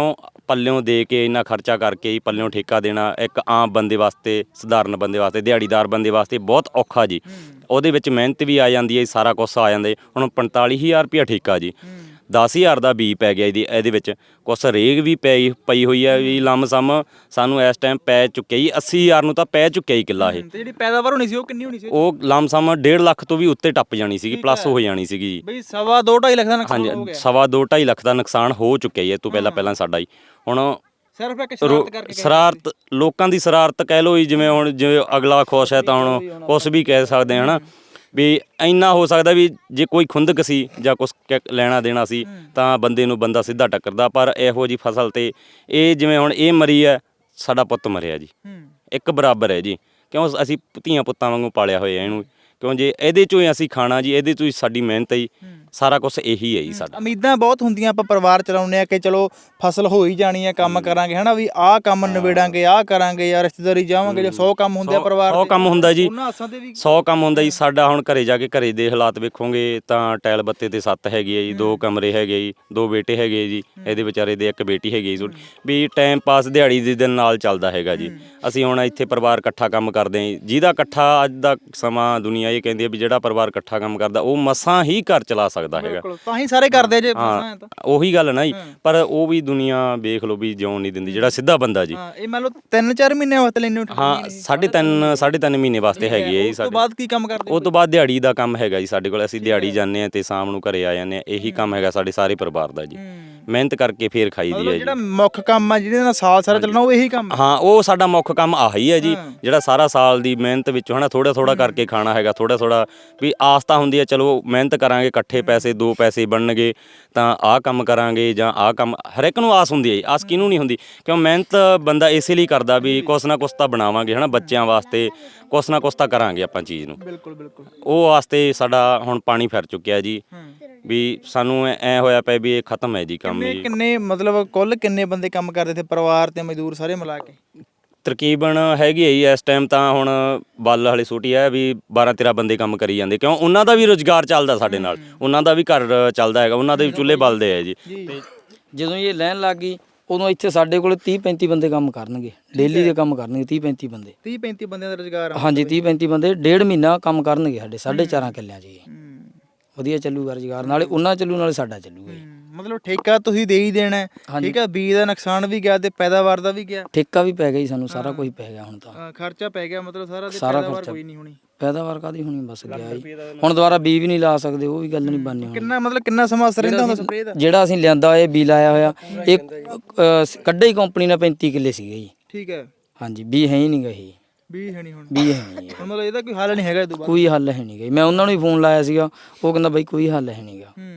S3: ਪੱਲਿਓਂ ਦੇ ਕੇ ਇੰਨਾ ਖਰਚਾ ਕਰਕੇ ਹੀ ਪੱਲਿਓਂ ਠੇਕਾ ਦੇਣਾ ਇੱਕ ਆਮ ਬੰਦੇ ਵਾਸਤੇ, ਸਧਾਰਨ ਬੰਦੇ ਵਾਸਤੇ, ਦਿਹਾੜੀਦਾਰ ਬੰਦੇ ਵਾਸਤੇ ਬਹੁਤ ਔਖਾ ਜੀ। ਉਹਦੇ ਵਿੱਚ ਮਿਹਨਤ ਵੀ ਆ ਜਾਂਦੀ ਹੈ, ਸਾਰਾ ਕੁਛ ਆ ਜਾਂਦਾ। ਹੁਣ ਪੰਤਾਲੀ ਹਜ਼ਾਰ ਰੁਪਇਆ ਠੇਕਾ ਜੀ, ਦਸ ਹਜ਼ਾਰ ਦਾ ਬੀਜ ਪੈ ਗਿਆ ਇਹਦੀ, ਇਹਦੇ ਵਿੱਚ ਕੁਛ ਰੇਗ ਵੀ ਪਈ ਪਈ ਹੋਈ ਹੈ ਵੀ ਲੰਮਸਮ ਸਾਨੂੰ ਇਸ ਟਾਈਮ ਪੈ ਚੁੱਕਿਆ ਜੀ ਅੱਸੀ ਹਜ਼ਾਰ ਨੂੰ ਤਾਂ ਪੈ ਚੁੱਕਿਆ ਜੀ ਕਿੱਲਾ ਇਹ।
S4: ਤੇ ਜਿਹੜੀ ਪੈਦਾਵਾਰ ਹੋਣੀ ਸੀ ਉਹ ਕਿੰਨੀ ਹੋਣੀ ਸੀ?
S3: ਉਹ ਲੰਮਸਮ ਡੇਢ ਲੱਖ ਤੋਂ ਵੀ ਉੱਤੇ ਟੱਪ ਜਾਣੀ ਸੀਗੀ, ਪਲੱਸ ਹੋ ਜਾਣੀ ਸੀਗੀ ਜੀ।
S4: ਬਈ ਸਵਾ ਦੋ ਢਾਈ ਲੱਖ ਦਾ ਨੁਕਸਾਨ ਹੋ
S3: ਹਾਂਜੀ,
S4: ਗਿਆ।
S3: ਸਵਾ ਦੋ ਢਾਈ ਲੱਖ ਦਾ ਨੁਕਸਾਨ ਹੋ ਚੁੱਕਿਆ ਜੀ ਇਹ ਤੋਂ ਪਹਿਲਾਂ ਪਹਿਲਾਂ ਸਾਡਾ ਜੀ। ਹੁਣ
S4: ਸਿਰਫ ਇੱਕ
S3: ਰੋ-
S4: ਸ਼ਰਾਰਤ ਕਰਕੇ
S3: ਸ਼ਰਾਰਤ ਲੋਕਾਂ ਦੀ ਸ਼ਰਾਰਤ ਕਹਿ ਲਓ ਜੀ, ਜਿਵੇਂ ਹੁਣ ਜਿਵੇਂ ਅਗਲਾ ਖੁਸ਼ ਹੈ ਤਾਂ ਹੁਣ ਕੁਛ ਵੀ ਕਹਿ ਸਕਦੇ ਹਾਂ ਹਨਾ ਵੀ ਇੰਨਾ ਹੋ ਸਕਦਾ ਵੀ ਜੇ ਕੋਈ ਖੁੰਦਕ ਸੀ ਜਾਂ ਕੁਛ ਕ- ਲੈਣਾ ਦੇਣਾ ਸੀ ਤਾਂ ਬੰਦੇ ਨੂੰ ਬੰਦਾ ਸਿੱਧਾ ਟੱਕਰਦਾ, ਪਰ ਇਹੋ ਜੀ ਫਸਲ ਤੇ ਇਹ ਜਿਵੇਂ ਹੁਣ ਇਹ ਮਰੀ ਹੈ, ਸਾਡਾ ਪੁੱਤ ਮਰਿਆ ਜੀ, ਇੱਕ ਬਰਾਬਰ ਹੈ ਜੀ। ਕਿਉਂ ਅਸੀਂ ਧੀਆਂ ਪੁੱਤਾਂ ਵਾਂਗੂ ਪਾਲਿਆ ਹੋਇਆ ਇਹਨੂੰ, ਕਿਉਂ ਜੇ ਇਹਦੇ ਚੋਂ ਹੀ ਅਸੀਂ ਖਾਣਾ ਜੀ, ਇਹਦੇ ਚੋਂ ਹੀ ਸਾਡੀ ਮਿਹਨਤ ਹੈ ਜੀ, ਸਾਰਾ ਕੁਝ ਇਹੀ ਹੈ ਜੀ ਸਾਡਾ।
S4: ਉਮੀਦਾਂ ਬਹੁਤ ਹੁੰਦੀਆਂ, ਆਪਾਂ ਪਰਿਵਾਰ ਚਲਾਉਂਦੇ ਆ ਕਿ ਚਲੋ ਫਸਲ ਹੋ ਹੀ ਜਾਣੀ ਹੈ, ਕੰਮ ਕਰਾਂਗੇ ਹਨਾ ਵੀ ਆਹ ਕੰਮ ਨਿਬੇੜਾਂਗੇ, ਆਹ ਕਰਾਂਗੇ ਯਾਰ, ਰਿਸ਼ਤੇਦਾਰੀ ਜਾਵਾਂਗੇ, ਜੇ ਸੌ ਕੰਮ ਹੁੰਦੇ ਆ ਪਰਿਵਾਰ
S3: ਸੌ ਕੰਮ ਹੁੰਦਾ ਜੀ,
S4: ਉਹਨਾਂ ਆਸਾਂ ਤੇ ਵੀ
S3: ਸੌ ਕੰਮ ਹੁੰਦਾ ਜੀ ਸਾਡਾ। ਹੁਣ ਘਰੇ ਜਾ ਕੇ ਘਰੇ ਦੇ ਹਾਲਾਤ ਵੇਖੋਗੇ ਤਾਂ ਟੈਲ ਬੱਤੇ ਤੇ ਸੱਤ ਹੈਗੀ ਹੈ ਜੀ, ਦੋ ਕਮਰੇ ਹੈਗੇ ਜੀ, ਦੋ ਬੇਟੇ ਹੈਗੇ ਜੀ, ਇਹਦੇ ਵਿਚਾਰੇ ਦੇ ਇੱਕ ਬੇਟੀ ਹੈਗੀ ਜੀ, ਵੀ ਟਾਈਮ ਪਾਸ ਦਿਹਾੜੀ ਦੇ ਦਿਨ ਨਾਲ ਚੱਲਦਾ ਹੈਗਾ ਜੀ। ਅਸੀਂ ਹੁਣ ਇੱਥੇ ਪਰਿਵਾਰ ਇਕੱਠਾ ਕੰਮ ਕਰਦੇ ਹਾਂ ਜੀ, ਜਿਹਦਾ ਇਕੱਠਾ ਅੱਜ ਦਾ ਸਮਾਂ ਦੁਨੀਆ ਇਹ ਕਹਿੰਦੀ ਹੈ ਵੀ ਜਿਹੜਾ ਪਰਿਵਾਰ ਇਕੱਠਾ ਕੰਮ ਕਰਦਾ ਉਹ ਮਸਾਂ ਹੀ ਘਰ ਚਲਾ ਸਕਦਾ ਹੈਗਾ।
S4: ਤਾਂ ਹੀ ਸਾਰੇ ਕਰਦੇ ਆ ਜੇ ਫਸਾਂ
S3: ਹਾਂ
S4: ਤਾਂ।
S3: ਉਹੀ ਗੱਲ ਨਾ ਜੀ, ਪਰ ਉਹ ਵੀ ਦੁਨੀਆ ਵੇਖ ਲਓ ਵੀ ਜਿਉਣ ਨਹੀਂ ਦਿੰਦੀ ਜਿਹੜਾ ਸਿੱਧਾ ਬੰਦਾ ਜੀ।
S4: ਹਾਂ ਇਹ ਮੰਨ ਲਓ ਤਿੰਨ ਚਾਰ ਮਹੀਨੇ ਵਾਸਤੇ ਲੈਣੇ
S3: ਹਾਂ ਸਾਢੇ ਤਿੰਨ ਸਾਢੇ ਤਿੰਨ ਮਹੀਨੇ ਵਾਸਤੇ ਹੈਗੀ ਹੈ ਜੀ
S4: ਉਸ ਤੋਂ
S3: ਸਾਡੇ।
S4: ਬਾਅਦ ਕੀ ਕੰਮ ਕਰਦੇ?
S3: ਉਹ ਤੋਂ ਬਾਅਦ ਦਿਹਾੜੀ ਦਾ ਕੰਮ ਹੈਗਾ ਜੀ ਸਾਡੇ ਕੋਲ, ਅਸੀਂ ਦਿਹਾੜੀ ਜਾਂਦੇ ਹਾਂ ਤੇ ਸ਼ਾਮ ਨੂੰ ਘਰੇ ਆ ਜਾਂਦੇ ਹਾਂ, ਇਹੀ ਕੰਮ ਹੈਗਾ ਸਾਡੇ ਸਾਰੇ ਪਰਿਵਾਰ ਦਾ ਜੀ। ਮਿਹਨਤ ਕਰਕੇ ਫੇਰ ਖਾਈ ਦੀ ਹੈ
S4: ਮਤਲਬ
S3: ਜੀ।
S4: ਜਿਹੜਾ ਮੁੱਖ ਕੰਮ ਆ ਜਿਹਦੇ ਨਾਲ ਸਾਲ ਸਾਰਾ ਚੱਲਣਾ ਉਹ ਇਹੀ ਕੰਮ ਆ।
S3: ਹਾਂ ਉਹ ਸਾਡਾ ਮੁੱਖ ਕੰਮ ਆਹੀ ਹੈ ਜੀ, ਜਿਹੜਾ ਸਾਰਾ ਸਾਲ ਦੀ ਮਿਹਨਤ ਵਿੱਚੋਂ ਹਨਾ ਥੋੜਾ ਥੋੜਾ ਕਰਕੇ ਖਾਣਾ ਹੈਗਾ, ਥੋੜਾ ਥੋੜਾ ਵੀ ਆਸ ਤਾਂ ਹੁੰਦੀ ਹੈ ਚਲੋ ਮਿਹਨਤ ਕਰਾਂਗੇ ਇਕੱਠੇ ਪੈਸੇ ਦੋ ਪੈਸੇ ਬਣਨਗੇ ਤਾਂ ਆਹ ਕੰਮ ਕਰਾਂਗੇ ਜਾਂ ਆਹ ਕੰਮ, ਹਰ ਇੱਕ ਨੂੰ ਆਸ ਹੁੰਦੀ ਹੈ ਜੀ, ਆਸ ਕਿਹਨੂੰ ਨਹੀਂ ਹੁੰਦੀ, ਕਿਉਂ ਮਿਹਨਤ ਬੰਦਾ ਇਸੇ ਲਈ ਕਰਦਾ ਵੀ ਕੁਛ ਨਾ ਕੁਛ ਤਾਂ ਬਣਾਵਾਂਗੇ ਹਨਾ ਬੱਚਿਆਂ ਵਾਸਤੇ, ਕੁਛ ਨਾ ਕੁਛ ਤਾਂ ਕਰਾਂਗੇ ਆਪਾਂ ਚੀਜ਼ ਨੂੰ।
S4: ਬਿਲਕੁਲ ਬਿਲਕੁਲ।
S3: ਉਹ ਵਾਸਤੇ ਸਾਡਾ ਹੁਣ ਪਾਣੀ ਫਿਰ ਚੁੱਕਿਆ ਜੀ, ਵੀ ਸਾਨੂੰ ਐ ਹੋਇਆ ਪਿਆ ਵੀ ਇਹ ਖਤਮ ਹੈ ਜੀ ਕੰਮ
S4: ਕਿੰਨੇ
S3: ਜੀ।
S4: ਕਿੰਨੇ ਮਤਲਬ ਕੁੱਲ ਕਿੰਨੇ ਬੰਦੇ ਕੰਮ ਕਰਦੇ ਤੇ ਪਰਿਵਾਰ ਤੇ ਮਜ਼ਦੂਰ ਸਾਰੇ ਮਿਲਾ ਕੇ?
S3: ਤਕਰੀਬਨ ਹੈਗੀ ਹੈ ਜੀ ਇਸ ਟਾਈਮ ਤਾਂ ਹੁਣ ਬੱਲ ਵਾਲੀ ਛੋਟੀ ਹੈ ਵੀ ਬਾਰਾਂ ਤੇਰਾਂ ਬੰਦੇ ਕੰਮ ਕਰੀ ਜਾਂਦੇ, ਕਿਉਂ ਉਹਨਾਂ ਦਾ ਵੀ ਰੁਜ਼ਗਾਰ ਚੱਲਦਾ ਸਾਡੇ ਨਾਲ, ਉਹਨਾਂ ਦਾ ਵੀ ਘਰ ਚੱਲਦਾ ਹੈਗਾ, ਉਹਨਾਂ ਦੇ ਵੀ ਚੁੱਲ੍ਹੇ ਬਲਦੇ ਆ ਜੀ।
S1: ਤੇ ਜਦੋਂ ਇਹ ਲੈਣ ਲੱਗ ਗਈ ਉਦੋਂ ਇੱਥੇ ਸਾਡੇ ਕੋਲ ਤੀਹ ਪੈਂਤੀ ਬੰਦੇ ਕੰਮ ਕਰਨਗੇ, ਡੇਲੀ ਦੇ ਕੰਮ ਕਰਨਗੇ ਤੀਹ ਪੈਂਤੀ ਬੰਦੇ।
S4: ਤੀਹ ਪੈਂਤੀ ਬੰਦਿਆਂ ਦਾ ਰੁਜ਼ਗਾਰ ਆ?
S1: ਹਾਂਜੀ ਤੀਹ ਪੈਂਤੀ ਬੰਦੇ ਡੇਢ ਮਹੀਨਾ ਕੰਮ ਕਰਨਗੇ ਸਾਡੇ ਸਾਢੇ ਚਾਰਾਂ ਕਿੱਲਿਆਂ 'ਚ ਜੀ। ਵਧੀਆ ਚੱਲੂਗਾ ਰੁਜ਼ਗਾਰ, ਨਾਲੇ ਉਹਨਾਂ ਚੱਲੂ ਨਾਲੇ ਸਾਡਾ ਚੱਲੂਗਾ ਜੀ।
S4: ਮਤਲਬ ਠੇਕਾ ਤੁਸੀਂ ਦੇ ਹੀ ਦੇਣਾ ਹੈ, ਠੀਕ ਹੈ, ਬੀਜ ਦਾ ਨੁਕਸਾਨ ਵੀ ਗਿਆ ਤੇ ਪੈਦਾਵਾਰ ਦਾ ਵੀ ਗਿਆ,
S1: ਠੇਕਾ ਵੀ ਪੈ ਗਿਆ ਜੀ ਸਾਨੂੰ, ਸਾਰਾ ਕੁਝ ਪੈ ਗਿਆ ਹੁਣ ਤਾਂ।
S4: ਅ, ਖਰਚਾ ਪੈ ਗਿਆ ਮਤਲਬ ਸਾਰਾ, ਤੇ
S1: ਸਾਰਾ
S4: ਪੈਦਾਵਾਰ
S1: ਖਰਚਾ
S4: ਕੋਈ ਨਹੀਂ ਹੋਣੀ।
S1: ਪੈਦਾਵਾਰ ਕਾਦੀ ਹੋਣੀ, ਬਸ ਗਿਆ ਜੀ। ਹੁਣ ਦੁਬਾਰਾ ਬੀ ਵੀ ਨਹੀਂ ਲਾ ਸਕਦੇ, ਉਹ ਵੀ ਗੱਲ ਨਹੀਂ ਬਣਨੀ ਹੁਣ।
S4: ਕਿੰਨਾ ਮਤਲਬ ਕਿੰਨਾ ਸਮਾਂ ਅਸਰ ਰਹਿੰਦਾ ਹੁੰਦਾ ਸਪਰੇਅ ਦਾ?
S1: ਜਿਹੜਾ ਅਸੀਂ ਲਿਆਂਦਾ ਇਹ ਬੀ ਲਾਇਆ ਹੋਇਆ ਇਹ ਅ, ਕੱਢੇ ਹੀ ਕੰਪਨੀ ਨੇ ਪੈਂਤੀ ਕਿੱਲੇ ਸੀਗੇ ਜੀ।
S4: ਠੀਕ ਹੈ,
S1: ਹਾਂਜੀ ਬੀ ਹੈ ਹੀ ਨਹੀਂ ਗਈ,
S4: ਬੀਜ ਹੈ ਨਹੀਂ ਹੁਣ।
S1: ਬੀ ਹੈ ਨਹੀਂ
S4: ਹੁਣ ਮਤਲਬ ਇਹਦਾ ਕੋਈ ਹੱਲ ਨਹੀਂ ਹੈਗਾ ਇਹ ਤੋਂ ਬਾਅਦ?
S1: ਕੋਈ ਹੱਲ ਹੈ ਨਹੀਂ ਗਈ। ਮੈਂ ਉਹਨਾਂ ਨੂੰ ਵੀ ਫੋਨ ਲਾਇਆ ਸੀਗਾ, ਉਹ ਕਹਿੰਦਾ ਬਾਈ ਕੋਈ ਹੱਲ ਹੈ ਨਹੀਂਗਾ।
S4: ਹੂੰ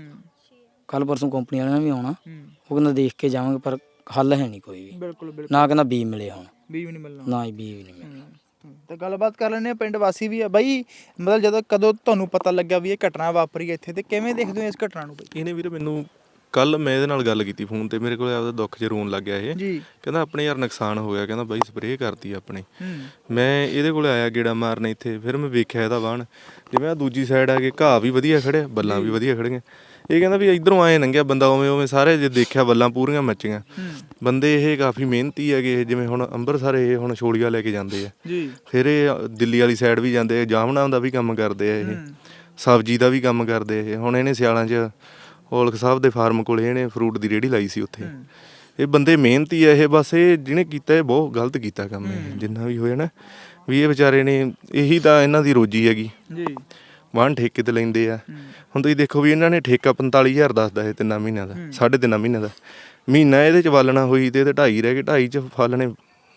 S1: ਕੱਲ ਪਰਸੋਂ ਕੰਪਨੀ ਵਾਲਿਆਂ ਨੇ ਵੀ ਆਉਣਾ,
S4: ਹੂੰ
S1: ਉਹ ਕਹਿੰਦਾ ਦੇਖ ਕੇ ਜਾਵਾਂਗੇ ਪਰ ਹੱਲ ਹੈ ਨਹੀਂ ਕੋਈ ਵੀ।
S4: ਬਿਲਕੁਲ ਬਿਲਕੁਲ।
S1: ਨਾ ਕਹਿੰਦਾ ਬੀ ਮਿਲੇ ਹੁਣ,
S4: ਬੀਜ ਵੀ ਨਹੀਂ ਮਿਲਣਾ?
S1: ਨਾ ਹੀ ਬੀ ਵੀ ਨਹੀਂ ਮਿਲੇ।
S4: ਤਾਂ ਗੱਲਬਾਤ ਕਰ ਲੈਂਦੇ ਆ, ਪਿੰਡ ਵਾਸੀ ਵੀ ਆ ਬਾਈ, ਮਤਲਬ ਜਦੋਂ ਕਦੋਂ ਤੁਹਾਨੂੰ ਪਤਾ ਲੱਗਾ ਵੀ ਇਹ ਘਟਨਾ ਵਾਪਰੀ ਹੈ ਇੱਥੇ, ਤੇ ਕਿਵੇਂ ਦੇਖਦੇ ਹੋ ਇਸ ਘਟਨਾ ਨੂੰ ਬਾਈ?
S5: ਇਹਨੇ ਵੀਰੇ ਮੈਨੂੰ ਕੱਲ ਮੈਂ ਇਹਦੇ ਨਾਲ ਗੱਲ ਕੀਤੀ ਫੋਨ ਤੇ, ਮੇਰੇ ਕੋਲ ਆਪਦਾ ਦੁੱਖ 'ਚ ਰੋਣ ਲੱਗ ਗਿਆ ਇਹ।
S4: ਜੀ।
S5: ਕਹਿੰਦਾ ਆਪਣੇ ਯਾਰ ਨੁਕਸਾਨ ਹੋ ਗਿਆ, ਕਹਿੰਦਾ ਬਾਈ ਸਪਰੇਅ ਕਰਤੀ ਆਪਣੇ।
S4: ਹੂੰ
S5: ਮੈਂ ਇਹਦੇ ਕੋਲ ਆਇਆ ਗੇੜਾ ਮਾਰਨ ਇੱਥੇ, ਫਿਰ ਮੈਂ ਵੇਖਿਆ ਇਹਦਾ ਵਾਹਣ, ਜਿਵੇਂ ਆ ਦੂਜੀ ਸਾਈਡ ਆ ਕੇ ਘਾਹ ਵੀ ਵਧੀਆ ਖੜਿਆ, ਬੱਲਾਂ ਵੀ ਵਧੀਆ ਖੜੀਆਂ। ਇਹ ਕਹਿੰਦਾ ਵੀ ਇਧਰੋਂ ਆਏ ਲੰਘਿਆ ਬੰਦਾ, ਉਵੇਂ ਉਵੇਂ ਸਾਰੇ ਜੇ ਦੇਖਿਆ ਬੱਲਾਂ ਪੂਰੀਆਂ ਮੱਚੀਆਂ। ਬੰਦੇ ਇਹ ਕਾਫੀ ਮਿਹਨਤੀ ਹੈਗੇ, ਜਿਵੇਂ ਹੁਣ ਅੰਮ੍ਰਿਤਸਰ ਇਹ ਹੁਣ ਛੋਲੀਆਂ ਲੈ ਕੇ ਜਾਂਦੇ ਆ
S4: ਜੀ,
S5: ਫਿਰ ਇਹ ਦਿੱਲੀ ਵਾਲੀ ਸਾਈਡ ਵੀ ਜਾਂਦੇ ਆ, ਜਾਮਣਾ ਦਾ ਵੀ ਕੰਮ ਕਰਦੇ ਆ ਇਹ, ਸਬਜ਼ੀ ਦਾ ਵੀ ਕੰਮ ਕਰਦੇ ਇਹ। ਹੁਣ ਇਹਨੇ ਸਿਆਲਾਂ 'ਚ ਔਲਖ ਸਾਹਿਬ ਦੇ ਫਾਰਮ ਕੋਲੇ ਇਹਨੇ ਫਰੂਟ ਦੀ ਰੇਹੜੀ ਲਾਈ ਸੀ ਉੱਥੇ। ਇਹ ਬੰਦੇ ਮਿਹਨਤੀ ਆ ਇਹ, ਬਸ ਇਹ ਜਿਹਨੇ ਕੀਤਾ ਇਹ ਬਹੁਤ ਗਲਤ ਕੀਤਾ ਕੰਮ ਇਹ, ਜਿੰਨਾ ਵੀ ਹੋਇਆ ਨਾ ਵੀ ਇਹ ਵਿਚਾਰੇ ਨੇ, ਇਹੀ ਤਾਂ ਇਹਨਾਂ ਦੀ ਰੋਜੀ ਹੈਗੀ।
S4: ਜੀ
S5: ਵਾਹਣ ਠੇਕੇ ਤੇ ਲੈਂਦੇ ਆ। ਹੁਣ ਤੁਸੀਂ ਦੇਖੋ ਵੀ ਇਹਨਾਂ ਨੇ ਠੇਕਾ ਪੰਤਾਲੀ ਹਜ਼ਾਰ ਦੱਸਦਾ ਇਹ ਤਿੰਨਾਂ ਮਹੀਨਿਆਂ ਦਾ, ਸਾਢੇ ਤਿੰਨਾਂ ਮਹੀਨਿਆਂ ਦਾ। ਮਹੀਨਾ ਇਹਦੇ 'ਚ ਵਾਲਣਾ ਹੋਈ ਤੇ ਇਹਦੇ ਢਾਈ ਰਹਿ ਗਏ, ਢਾਈ 'ਚ ਫਲ ਨੇ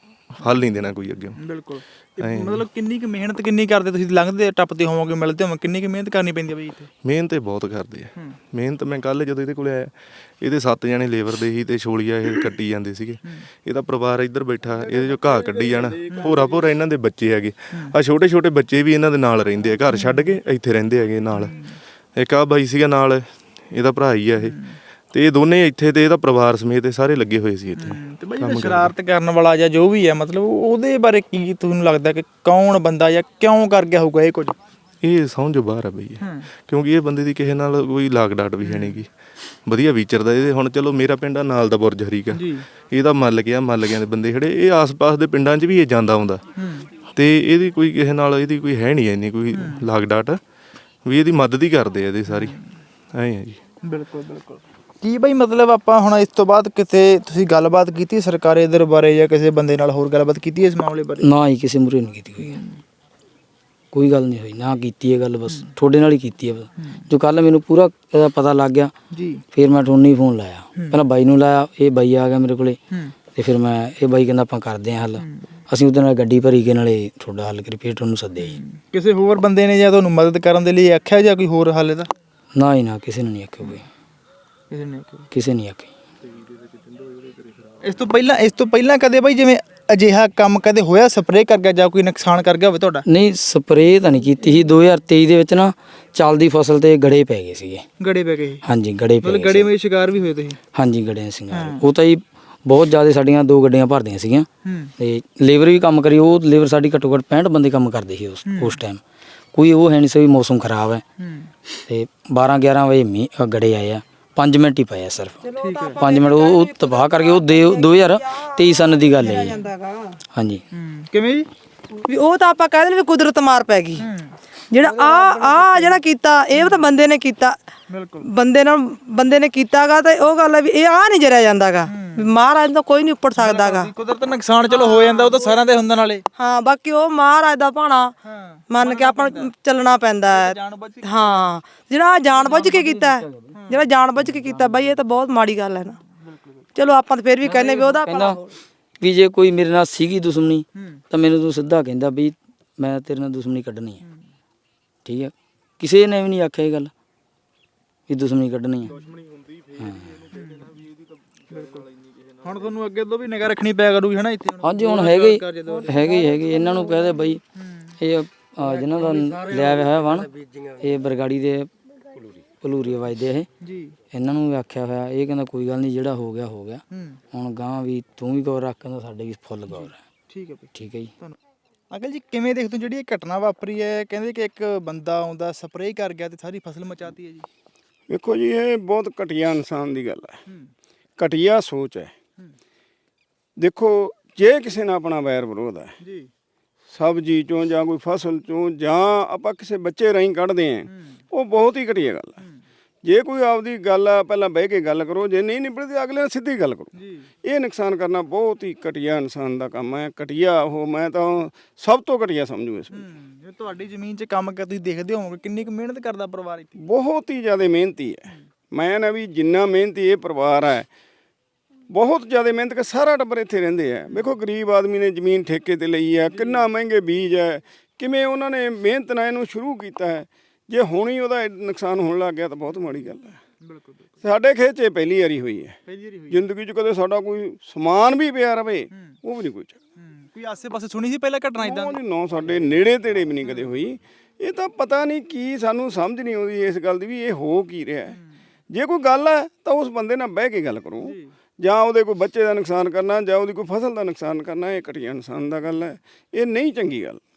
S5: ਫਲ ਨਹੀਂ ਦੇਣਾ ਕੋਈ ਅੱਗੇ।
S4: ਬਿਲਕੁਲ। ਤੇ ਮਤਲਬ ਕਿੰਨੀ ਕੁ ਮਿਹਨਤ ਕਿੰਨੀ ਕਰਦੇ ਤੁਸੀਂ, ਲੰਘਦੇ ਟੱਪਦੇ ਹੋਵੋਗੇ ਮਿਲਦੇ ਹੋਵੋਗੇ, ਕਿੰਨੀ ਕੁ ਮਿਹਨਤ ਕਰਨੀ ਪੈਂਦੀ ਹੈ ਬਈ ਇੱਥੇ?
S5: ਮਿਹਨਤ ਇਹ ਬਹੁਤ ਕਰਦੇ ਆ। ਮਿਹਨਤ ਮੈਂ ਕੱਲ ਜਦੋਂ ਇਹਦੇ ਕੋਲ ਆਇਆ, ਇਹਦੇ ਸੱਤ ਜਣੇ ਲੇਬਰ ਦੇ ਹੀ ਤੇ ਛੋਲੀਆਂ ਇਹ ਕੱਟੀ ਜਾਂਦੇ ਸੀਗੇ। ਇਹਦਾ ਪਰਿਵਾਰ ਇੱਧਰ ਬੈਠਾ, ਇਹਦੇ ਜੋ ਘਾਹ ਕੱਢੀ ਜਾਣਾ, ਭੋਰਾ ਭੋਰਾ ਇਹਨਾਂ ਦੇ ਬੱਚੇ ਹੈਗੇ ਆ, ਛੋਟੇ ਛੋਟੇ ਬੱਚੇ ਵੀ ਇਹਨਾਂ ਦੇ ਨਾਲ ਰਹਿੰਦੇ ਆ, ਘਰ ਛੱਡ ਕੇ ਇੱਥੇ ਰਹਿੰਦੇ ਹੈਗੇ ਨਾਲ। ਇੱਕ ਆ ਬਾਈ ਸੀਗਾ ਨਾਲ, ਇਹਦਾ ਭਰਾ ਹੀ ਆ ਇਹ, ਤੇ ਇਹ ਦੋਨੇ ਇੱਥੇ ਤੇ ਇਹਦਾ ਪਰਿਵਾਰ ਸਮੇਤ ਸਾਰੇ ਲੱਗੇ ਹੋਏ ਸੀ ਇੱਥੇ।
S4: ਤੇ ਬਾਈ ਜਿਹੜਾ ਸ਼ਰਾਰਤ ਕਰਨ ਵਾਲਾ ਜਾਂ ਜੋ ਵੀ ਹੈ, ਮਤਲਬ ਉਹਦੇ ਬਾਰੇ ਕੀ ਤੁਹਾਨੂੰ ਲੱਗਦਾ ਕਿ ਕੌਣ ਬੰਦਾ ਜਾਂ ਕਿਉਂ ਕਰ ਗਿਆ ਹੋਊਗਾ ਇਹ ਕੁਝ?
S5: ਇਹ ਸਮਝ ਬਾਹਰ ਆ ਬਈ ਇਹ। ਕਿਉਂਕਿ ਇਹ ਬੰਦੇ ਦੀ ਕਿਸੇ ਨਾਲ ਕੋਈ ਲਾਗ ਡਾਟ ਵੀ ਹੈ ਨਹੀਂਗੀ, ਵਧੀਆ ਵਿਚਰਦਾ। ਇਹਦੇ ਹੁਣ ਚਲੋ ਮੇਰਾ ਪਿੰਡ ਆ ਨਾਲ ਦਾ ਬੁਰਜ ਹਰੀਕਾ, ਇਹਦਾ ਮੱਲ ਗਿਆ ਮੱਲ ਗਿਆ ਦੇ ਬੰਦੇ ਖੜੇ, ਇਹ ਆਸ-ਪਾਸ ਦੇ ਪਿੰਡਾਂ 'ਚ ਵੀ ਇਹ ਜਾਂਦਾ ਆਉਂਦਾ ਤੇ ਇਹਦੀ ਕੋਈ ਕਿਸੇ ਨਾਲ ਇਹਦੀ ਕੋਈ ਹੈ ਨਹੀਂ ਇੰਨੀ ਕੋਈ ਲਾਗ ਡਾਟ ਵੀ ਇਹਦੀ ਮਦਦ ਹੀ ਕਰਦੇ ਆ ਇਹਦੀ ਸਾਰੀ ਐਂ ਆ ਜੀ।
S4: ਬਿਲਕੁਲ ਬਿਲਕੁਲ। ਕੀ ਬਈ ਮਤਲਬ ਆਪਾਂ ਹੁਣ ਇਸ ਤੋਂ ਬਾਅਦ ਕਿਤੇ ਤੁਸੀਂ ਗੱਲਬਾਤ ਕੀਤੀ ਸਰਕਾਰੀ ਇਧਰ ਬਾਰੇ ਜਾਂ ਕਿਸੇ ਬੰਦੇ ਨਾਲ ਹੋਰ ਗੱਲਬਾਤ ਕੀਤੀ ਇਸ ਮਾਮਲੇ ਬਾਰੇ?
S1: ਨਾ ਹੀ ਕਿਸੇ ਮੂਹਰੇ ਨਹੀਂ ਕੀਤੀ ਹੋਈ ਹੈ। ਕੋਈ ਗੱਲ ਨਹੀਂ ਹੋਈ, ਨਾ ਕੀਤੀ ਹੈ ਗੱਲ, ਬਸ ਤੁਹਾਡੇ ਨਾਲ ਹੀ ਕੀਤੀ ਹੈ ਬਸ। ਜੋ ਕੱਲ ਮੈਨੂੰ ਪੂਰਾ ਇਹਦਾ ਪਤਾ ਲੱਗ ਗਿਆ
S4: ਜੀ, ਫਿਰ
S1: ਮੈਂ ਤੁਹਾਨੂੰ ਹੀ ਫੋਨ ਲਾਇਆ, ਪਹਿਲਾਂ ਬਾਈ ਨੂੰ ਲਾਇਆ, ਇਹ ਬਾਈ ਆ ਗਿਆ ਮੇਰੇ ਕੋਲੇ ਤੇ ਫਿਰ ਮੈਂ ਇਹ ਬਾਈ ਕਹਿੰਦਾ ਆਪਾਂ ਕਰਦੇ ਹਾਂ ਹੱਲ। ਅਸੀਂ ਉਹਦੇ ਨਾਲ ਗੱਡੀ ਭਰੀ ਕੇ ਨਾਲੇ ਤੁਹਾਡਾ ਹੱਲ ਕਰੀ, ਫਿਰ ਤੁਹਾਨੂੰ ਸੱਦਿਆ ਜੀ।
S4: ਕਿਸੇ ਹੋਰ ਬੰਦੇ ਨੇ ਜਾਂ ਤੁਹਾਨੂੰ ਮਦਦ ਕਰਨ ਦੇ ਲਈ ਆਖਿਆ ਜਾਂ ਕੋਈ ਹੋਰ ਹੱਲ ਦਾ?
S1: ਨਾ ਹੀ ਨਾ, ਕਿਸੇ ਨੇ ਨਹੀਂ ਆਖਿਆ ਕੋਈ,
S4: ਕਿਸੇ ਨੇ
S1: ਕਿਸੇ ਨਹੀਂ ਆਖਿਆ।
S4: ਇਸ ਤੋਂ ਪਹਿਲਾਂ ਇਸ ਤੋਂ ਪਹਿਲਾਂ ਕਦੇ ਬਾਈ ਜਿਵੇਂ ਅਜਿਹਾ ਕੰਮ ਕਦੇ ਹੋਇਆ, ਸਪਰੇਅ ਕਰ ਗਿਆ ਜਾਂ ਕੋਈ ਨੁਕਸਾਨ ਕਰ ਗਿਆ ਹੋਵੇ ਤੁਹਾਡਾ?
S1: ਨਹੀਂ, ਸਪਰੇਅ ਤਾਂ ਨਹੀਂ ਕੀਤੀ ਸੀ। ਦੋ ਹਜ਼ਾਰ ਤੇਈ ਦੇ ਵਿੱਚ ਨਾ ਚੱਲਦੀ ਫਸਲ ਤੇ ਗੜੇ ਪੈ ਗਏ ਸੀਗੇ।
S4: ਗੜੇ ਪੈ ਗਏ?
S1: ਹਾਂਜੀ, ਗੜੇ ਪੈ ਗਏ।
S4: ਗੜੇ ਵਿੱਚ ਸ਼ਿਕਾਰ ਵੀ ਹੋਏ ਤੁਸੀਂ?
S1: ਹਾਂਜੀ, ਗੜਿਆਂ ਸਿੰਘਾਂ ਉਹ ਤਾਂ ਜੀ ਬਹੁਤ ਜ਼ਿਆਦਾ, ਸਾਡੀਆਂ ਦੋ ਗੱਡੀਆਂ ਭਰਦੀਆਂ ਸੀਗੀਆਂ ਤੇ ਲੇਬਰ ਵੀ ਕੰਮ ਕਰੀ। ਉਹ ਲੇਬਰ ਸਾਡੀ ਘੱਟੋ ਘੱਟ ਪੈਂਹਠ ਬੰਦੇ ਕੰਮ ਕਰਦੇ ਸੀ ਉਸ ਉਸ ਟਾਈਮ। ਕੋਈ ਉਹ ਹੈ ਨਹੀਂ ਸੀ ਵੀ ਮੌਸਮ ਖਰਾਬ ਹੈ ਤੇ ਬਾਰਾਂ ਗਿਆਰਾਂ ਵਜੇ ਮੀਂਹ ਗੜੇ ਆਏ ਆ, ਪੰਜ ਮਿੰਟ ਹੀ ਪਏ ਆ ਸਿਰਫ, ਪੰਜ ਮਿੰਟ ਉਹ ਉਹ ਤਬਾਹ ਕਰ ਗਏ। ਉਹ ਦੋ ਹਜ਼ਾਰ ਤੇਈ ਸਨ ਦੀ ਗੱਲ ਹੈ ਜੀ। ਹਾਂਜੀ।
S4: ਕਿਵੇਂ ਜੀ?
S2: ਵੀ ਉਹ ਤਾਂ ਆਪਾਂ ਕਹਿ ਦਿੰਦੇ ਵੀ ਕੁਦਰਤ ਮਾਰ ਪੈ ਗਈ। ਜਿਹੜਾ ਆ ਆ ਜਿਹੜਾ ਕੀਤਾ ਇਹ ਤਾਂ ਬੰਦੇ ਨੇ ਕੀਤਾ, ਬੰਦੇ ਨਾਲ ਬੰਦੇ ਨੇ ਕੀਤਾਗਾ ਤੇ ਉਹ ਗੱਲ ਹੈ ਵੀ ਇਹ ਆ ਨਹੀਂ ਜਰਿਆ ਜਾਂਦਾਗਾ, ਮਹਾਰਾਜ ਤੋਂ ਕੋਈ ਨਹੀਂ ਉੱਪਰ ਸਕਦਾਗਾ।
S4: ਕੁਦਰਤ ਨੁਕਸਾਨ ਚਲੋ ਹੋ ਜਾਂਦਾ, ਉਹ ਤਾਂ ਸਾਰਿਆਂ ਦੇ ਹੁੰਦਾ ਨਾਲੇ।
S2: ਹਾਂ, ਬਾਕੀ ਉਹ ਮਹਾਰਾਜ ਦਾ ਭਾਣਾ ਮੰਨ ਕੇ ਆਪਾਂ ਨੂੰ ਚੱਲਣਾ ਪੈਂਦਾ ਹੈ। ਹਾਂ, ਜਿਹੜਾ ਜਾਣ ਬੁੱਝ ਕੇ ਕੀਤਾ, ਜਿਹੜਾ ਜਾਣ ਬੁੱਝ ਕੇ ਕੀਤਾ ਬਾਈ, ਇਹ ਤਾਂ ਬਹੁਤ ਮਾੜੀ ਗੱਲ ਹੈ ਨਾ। ਚਲੋ ਆਪਾਂ ਤਾਂ ਫਿਰ ਵੀ ਕਹਿੰਦੇ ਵੀ ਉਹਦਾ
S1: ਕਹਿੰਦਾ ਵੀ ਜੇ ਕੋਈ ਮੇਰੇ ਨਾਲ ਸੀਗੀ ਦੁਸ਼ਮਣੀ ਤਾਂ ਮੈਨੂੰ ਤੂੰ ਸਿੱਧਾ ਕਹਿੰਦਾ ਵੀ ਮੈਂ ਤੇਰੇ ਨਾਲ ਦੁਸ਼ਮਣੀ ਕੱਢਣੀ ਹੈ, ਠੀਕ ਹੈ। ਕਿਸੇ ਨੇ ਵੀ ਨਹੀਂ ਆਖਿਆ ਇਹ ਗੱਲ ਵੀ ਦੁਸ਼ਮਣੀ ਕੱਢਣੀ ਹੈ।
S4: ਹੁਣ ਤੁਹਾਨੂੰ ਅੱਗੇ ਤੋਂ ਵੀ ਨਿਗਾਹ ਰੱਖਣੀ ਪਿਆ ਕਰੂਗੀ ਹਨਾ ਇੱਥੇ?
S1: ਹਾਂਜੀ, ਹੁਣ ਹੈਗੇ ਹੀ ਹੈਗੇ ਹੀ ਹੈਗੇ। ਇਹਨਾਂ ਨੂੰ ਕਹਦੇ ਬਈ ਇਹ ਜਿਹਨਾਂ ਦਾ ਲਿਆ ਹੋਇਆ ਵਣ, ਇਹ ਬਰਗਾੜੀ ਦੇ ਭਲੂਰੀ ਵਜਦੇ ਇਹ ਜੀ, ਇਹਨਾਂ ਨੂੰ ਵੀ ਆਖਿਆ ਹੋਇਆ। ਇਹ ਕਹਿੰਦਾ ਕੋਈ ਗੱਲ ਨਹੀਂ, ਜਿਹੜਾ ਹੋ ਗਿਆ ਹੋ ਗਿਆ, ਹੁਣ ਗਾਂ ਵੀ ਤੂੰ ਵੀ ਗੌਰ ਰੱਖ, ਕਹਿੰਦਾ ਸਾਡੇ ਵੀ ਫੁੱਲ ਗੌਰ ਹੈ।
S4: ਠੀਕ ਹੈ,
S1: ਠੀਕ ਹੈ ਜੀ।
S4: ਅੰਕਲ ਜੀ ਕਿਵੇਂ ਦੇਖਦੇ ਹੋ ਜਿਹੜੀ ਇਹ ਘਟਨਾ ਵਾਪਰੀ ਹੈ? ਕਹਿੰਦੇ ਕਿ ਇੱਕ ਬੰਦਾ ਆਉਂਦਾ ਸਪਰੇਅ ਕਰ ਗਿਆ ਤੇ ਸਾਰੀ ਫਸਲ ਮਚਾਤੀ ਹੈ ਜੀ।
S6: ਵੇਖੋ ਜੀ, ਇਹ ਬਹੁਤ ਘਟੀਆ ਇਨਸਾਨ ਦੀ ਗੱਲ ਹੈ, ਘਟੀਆ ਸੋਚ ਹੈ। ਦੇਖੋ, ਜੇ ਕਿਸੇ ਨਾਲ ਆਪਣਾ ਵੈਰ ਵਿਰੋਧ ਹੈ ਜੀ, ਸਬਜ਼ੀ ਚੋਂ ਜਾਂ ਕੋਈ ਫਸਲ ਚੋਂ ਜਾਂ ਆਪਾਂ ਕਿਸੇ ਬੱਚੇ ਰਾਹੀਂ ਕੱਢਦੇ ਆਂ, ਉਹ ਬਹੁਤ ਹੀ ਘਟੀਆ ਗੱਲ ਹੈ। ਜੇ ਕੋਈ ਆਪਦੀ ਗੱਲ ਆ ਪਹਿਲਾਂ ਬਹਿ ਕੇ ਗੱਲ ਕਰੋ, ਜੇ ਨਹੀਂ ਨਿਬੜਦੀ ਅਗਲੇ ਨਾਲ ਸਿੱਧੀ ਗੱਲ ਕਰੋ। ਇਹ ਨੁਕਸਾਨ ਕਰਨਾ ਬਹੁਤ ਹੀ ਘਟੀਆ ਇਨਸਾਨ ਦਾ ਕੰਮ ਹੈ। ਘਟੀਆ ਉਹ ਮੈਂ ਤਾਂ ਸਭ ਤੋਂ ਘਟੀਆ ਸਮਝੂ ਇਸ ਨੂੰ।
S4: ਜੇ ਤੁਹਾਡੀ ਜ਼ਮੀਨ 'ਚ ਕੰਮ ਕਰ ਤੁਸੀਂ ਦੇਖਦੇ ਹੋਵੋਗੇ ਕਿੰਨੀ ਕੁ ਮਿਹਨਤ ਕਰਦਾ ਪਰਿਵਾਰ ਇੱਥੇ?
S6: ਬਹੁਤ ਹੀ ਜ਼ਿਆਦਾ ਮਿਹਨਤੀ ਹੈ। ਮੈਂ ਨਾ ਵੀ ਜਿੰਨਾ ਮਿਹਨਤੀ ਇਹ ਪਰਿਵਾਰ ਹੈ, ਬਹੁਤ ਜ਼ਿਆਦਾ ਮਿਹਨਤ ਕਰ, ਸਾਰਾ ਟੱਬਰ ਇੱਥੇ ਰਹਿੰਦੇ ਆ। ਵੇਖੋ, ਗਰੀਬ ਆਦਮੀ ਨੇ ਜ਼ਮੀਨ ਠੇਕੇ ਤੇ ਲਈ ਹੈ, ਕਿੰਨਾ ਮਹਿੰਗੇ ਬੀਜ ਹੈ, ਕਿਵੇਂ ਉਹਨਾਂ ਨੇ ਮਿਹਨਤ ਨਾਲ ਇਹਨੂੰ ਸ਼ੁਰੂ ਕੀਤਾ ਹੈ। ਜੇ ਹੁਣ ਹੀ ਉਹਦਾ ਨੁਕਸਾਨ ਹੋਣ ਲੱਗ ਗਿਆ ਤਾਂ ਬਹੁਤ ਮਾੜੀ ਗੱਲ ਹੈ। ਬਿਲਕੁਲ। ਸਾਡੇ ਖੇਤ 'ਚ ਪਹਿਲੀ ਵਾਰੀ ਹੋਈ ਹੈ, ਜ਼ਿੰਦਗੀ 'ਚ ਕਦੇ ਸਾਡਾ ਕੋਈ ਸਮਾਨ ਵੀ ਪਿਆ ਰਵੇ ਉਹ ਵੀ ਨਹੀਂ ਕੋਈ ਚੱਕਦਾ।
S4: ਕੋਈ ਆਸੇ-ਪਾਸੇ ਸੁਣੀ ਸੀ ਪਹਿਲਾਂ ਘਟਨਾ ਇਦਾਂ?
S6: ਨਾ, ਸਾਡੇ ਨੇੜੇ ਤੇੜੇ ਵੀ ਨਹੀਂ ਕਦੇ ਹੋਈ। ਇਹ ਤਾਂ ਪਤਾ ਨਹੀਂ ਕੀ, ਸਾਨੂੰ ਸਮਝ ਨਹੀਂ ਆਉਂਦੀ ਇਸ ਗੱਲ ਦੀ ਵੀ ਇਹ ਹੋ ਕੀ ਰਿਹਾ। ਜੇ ਕੋਈ ਗੱਲ ਹੈ ਤਾਂ ਉਸ ਬੰਦੇ ਨਾਲ ਬਹਿ ਕੇ ਗੱਲ ਕਰੋ, ਜਾਂ ਉਹਦੇ ਕੋਈ ਬੱਚੇ ਦਾ ਨੁਕਸਾਨ ਕਰਨਾ ਜਾਂ ਉਹਦੀ ਕੋਈ ਫਸਲ ਦਾ ਨੁਕਸਾਨ ਕਰਨਾ, ਇਹ ਘਟੀਆ ਇਨਸਾਨ ਦਾ ਗੱਲ ਹੈ। ਇਹ ਨਹੀਂ ਚੰਗੀ ਗੱਲ।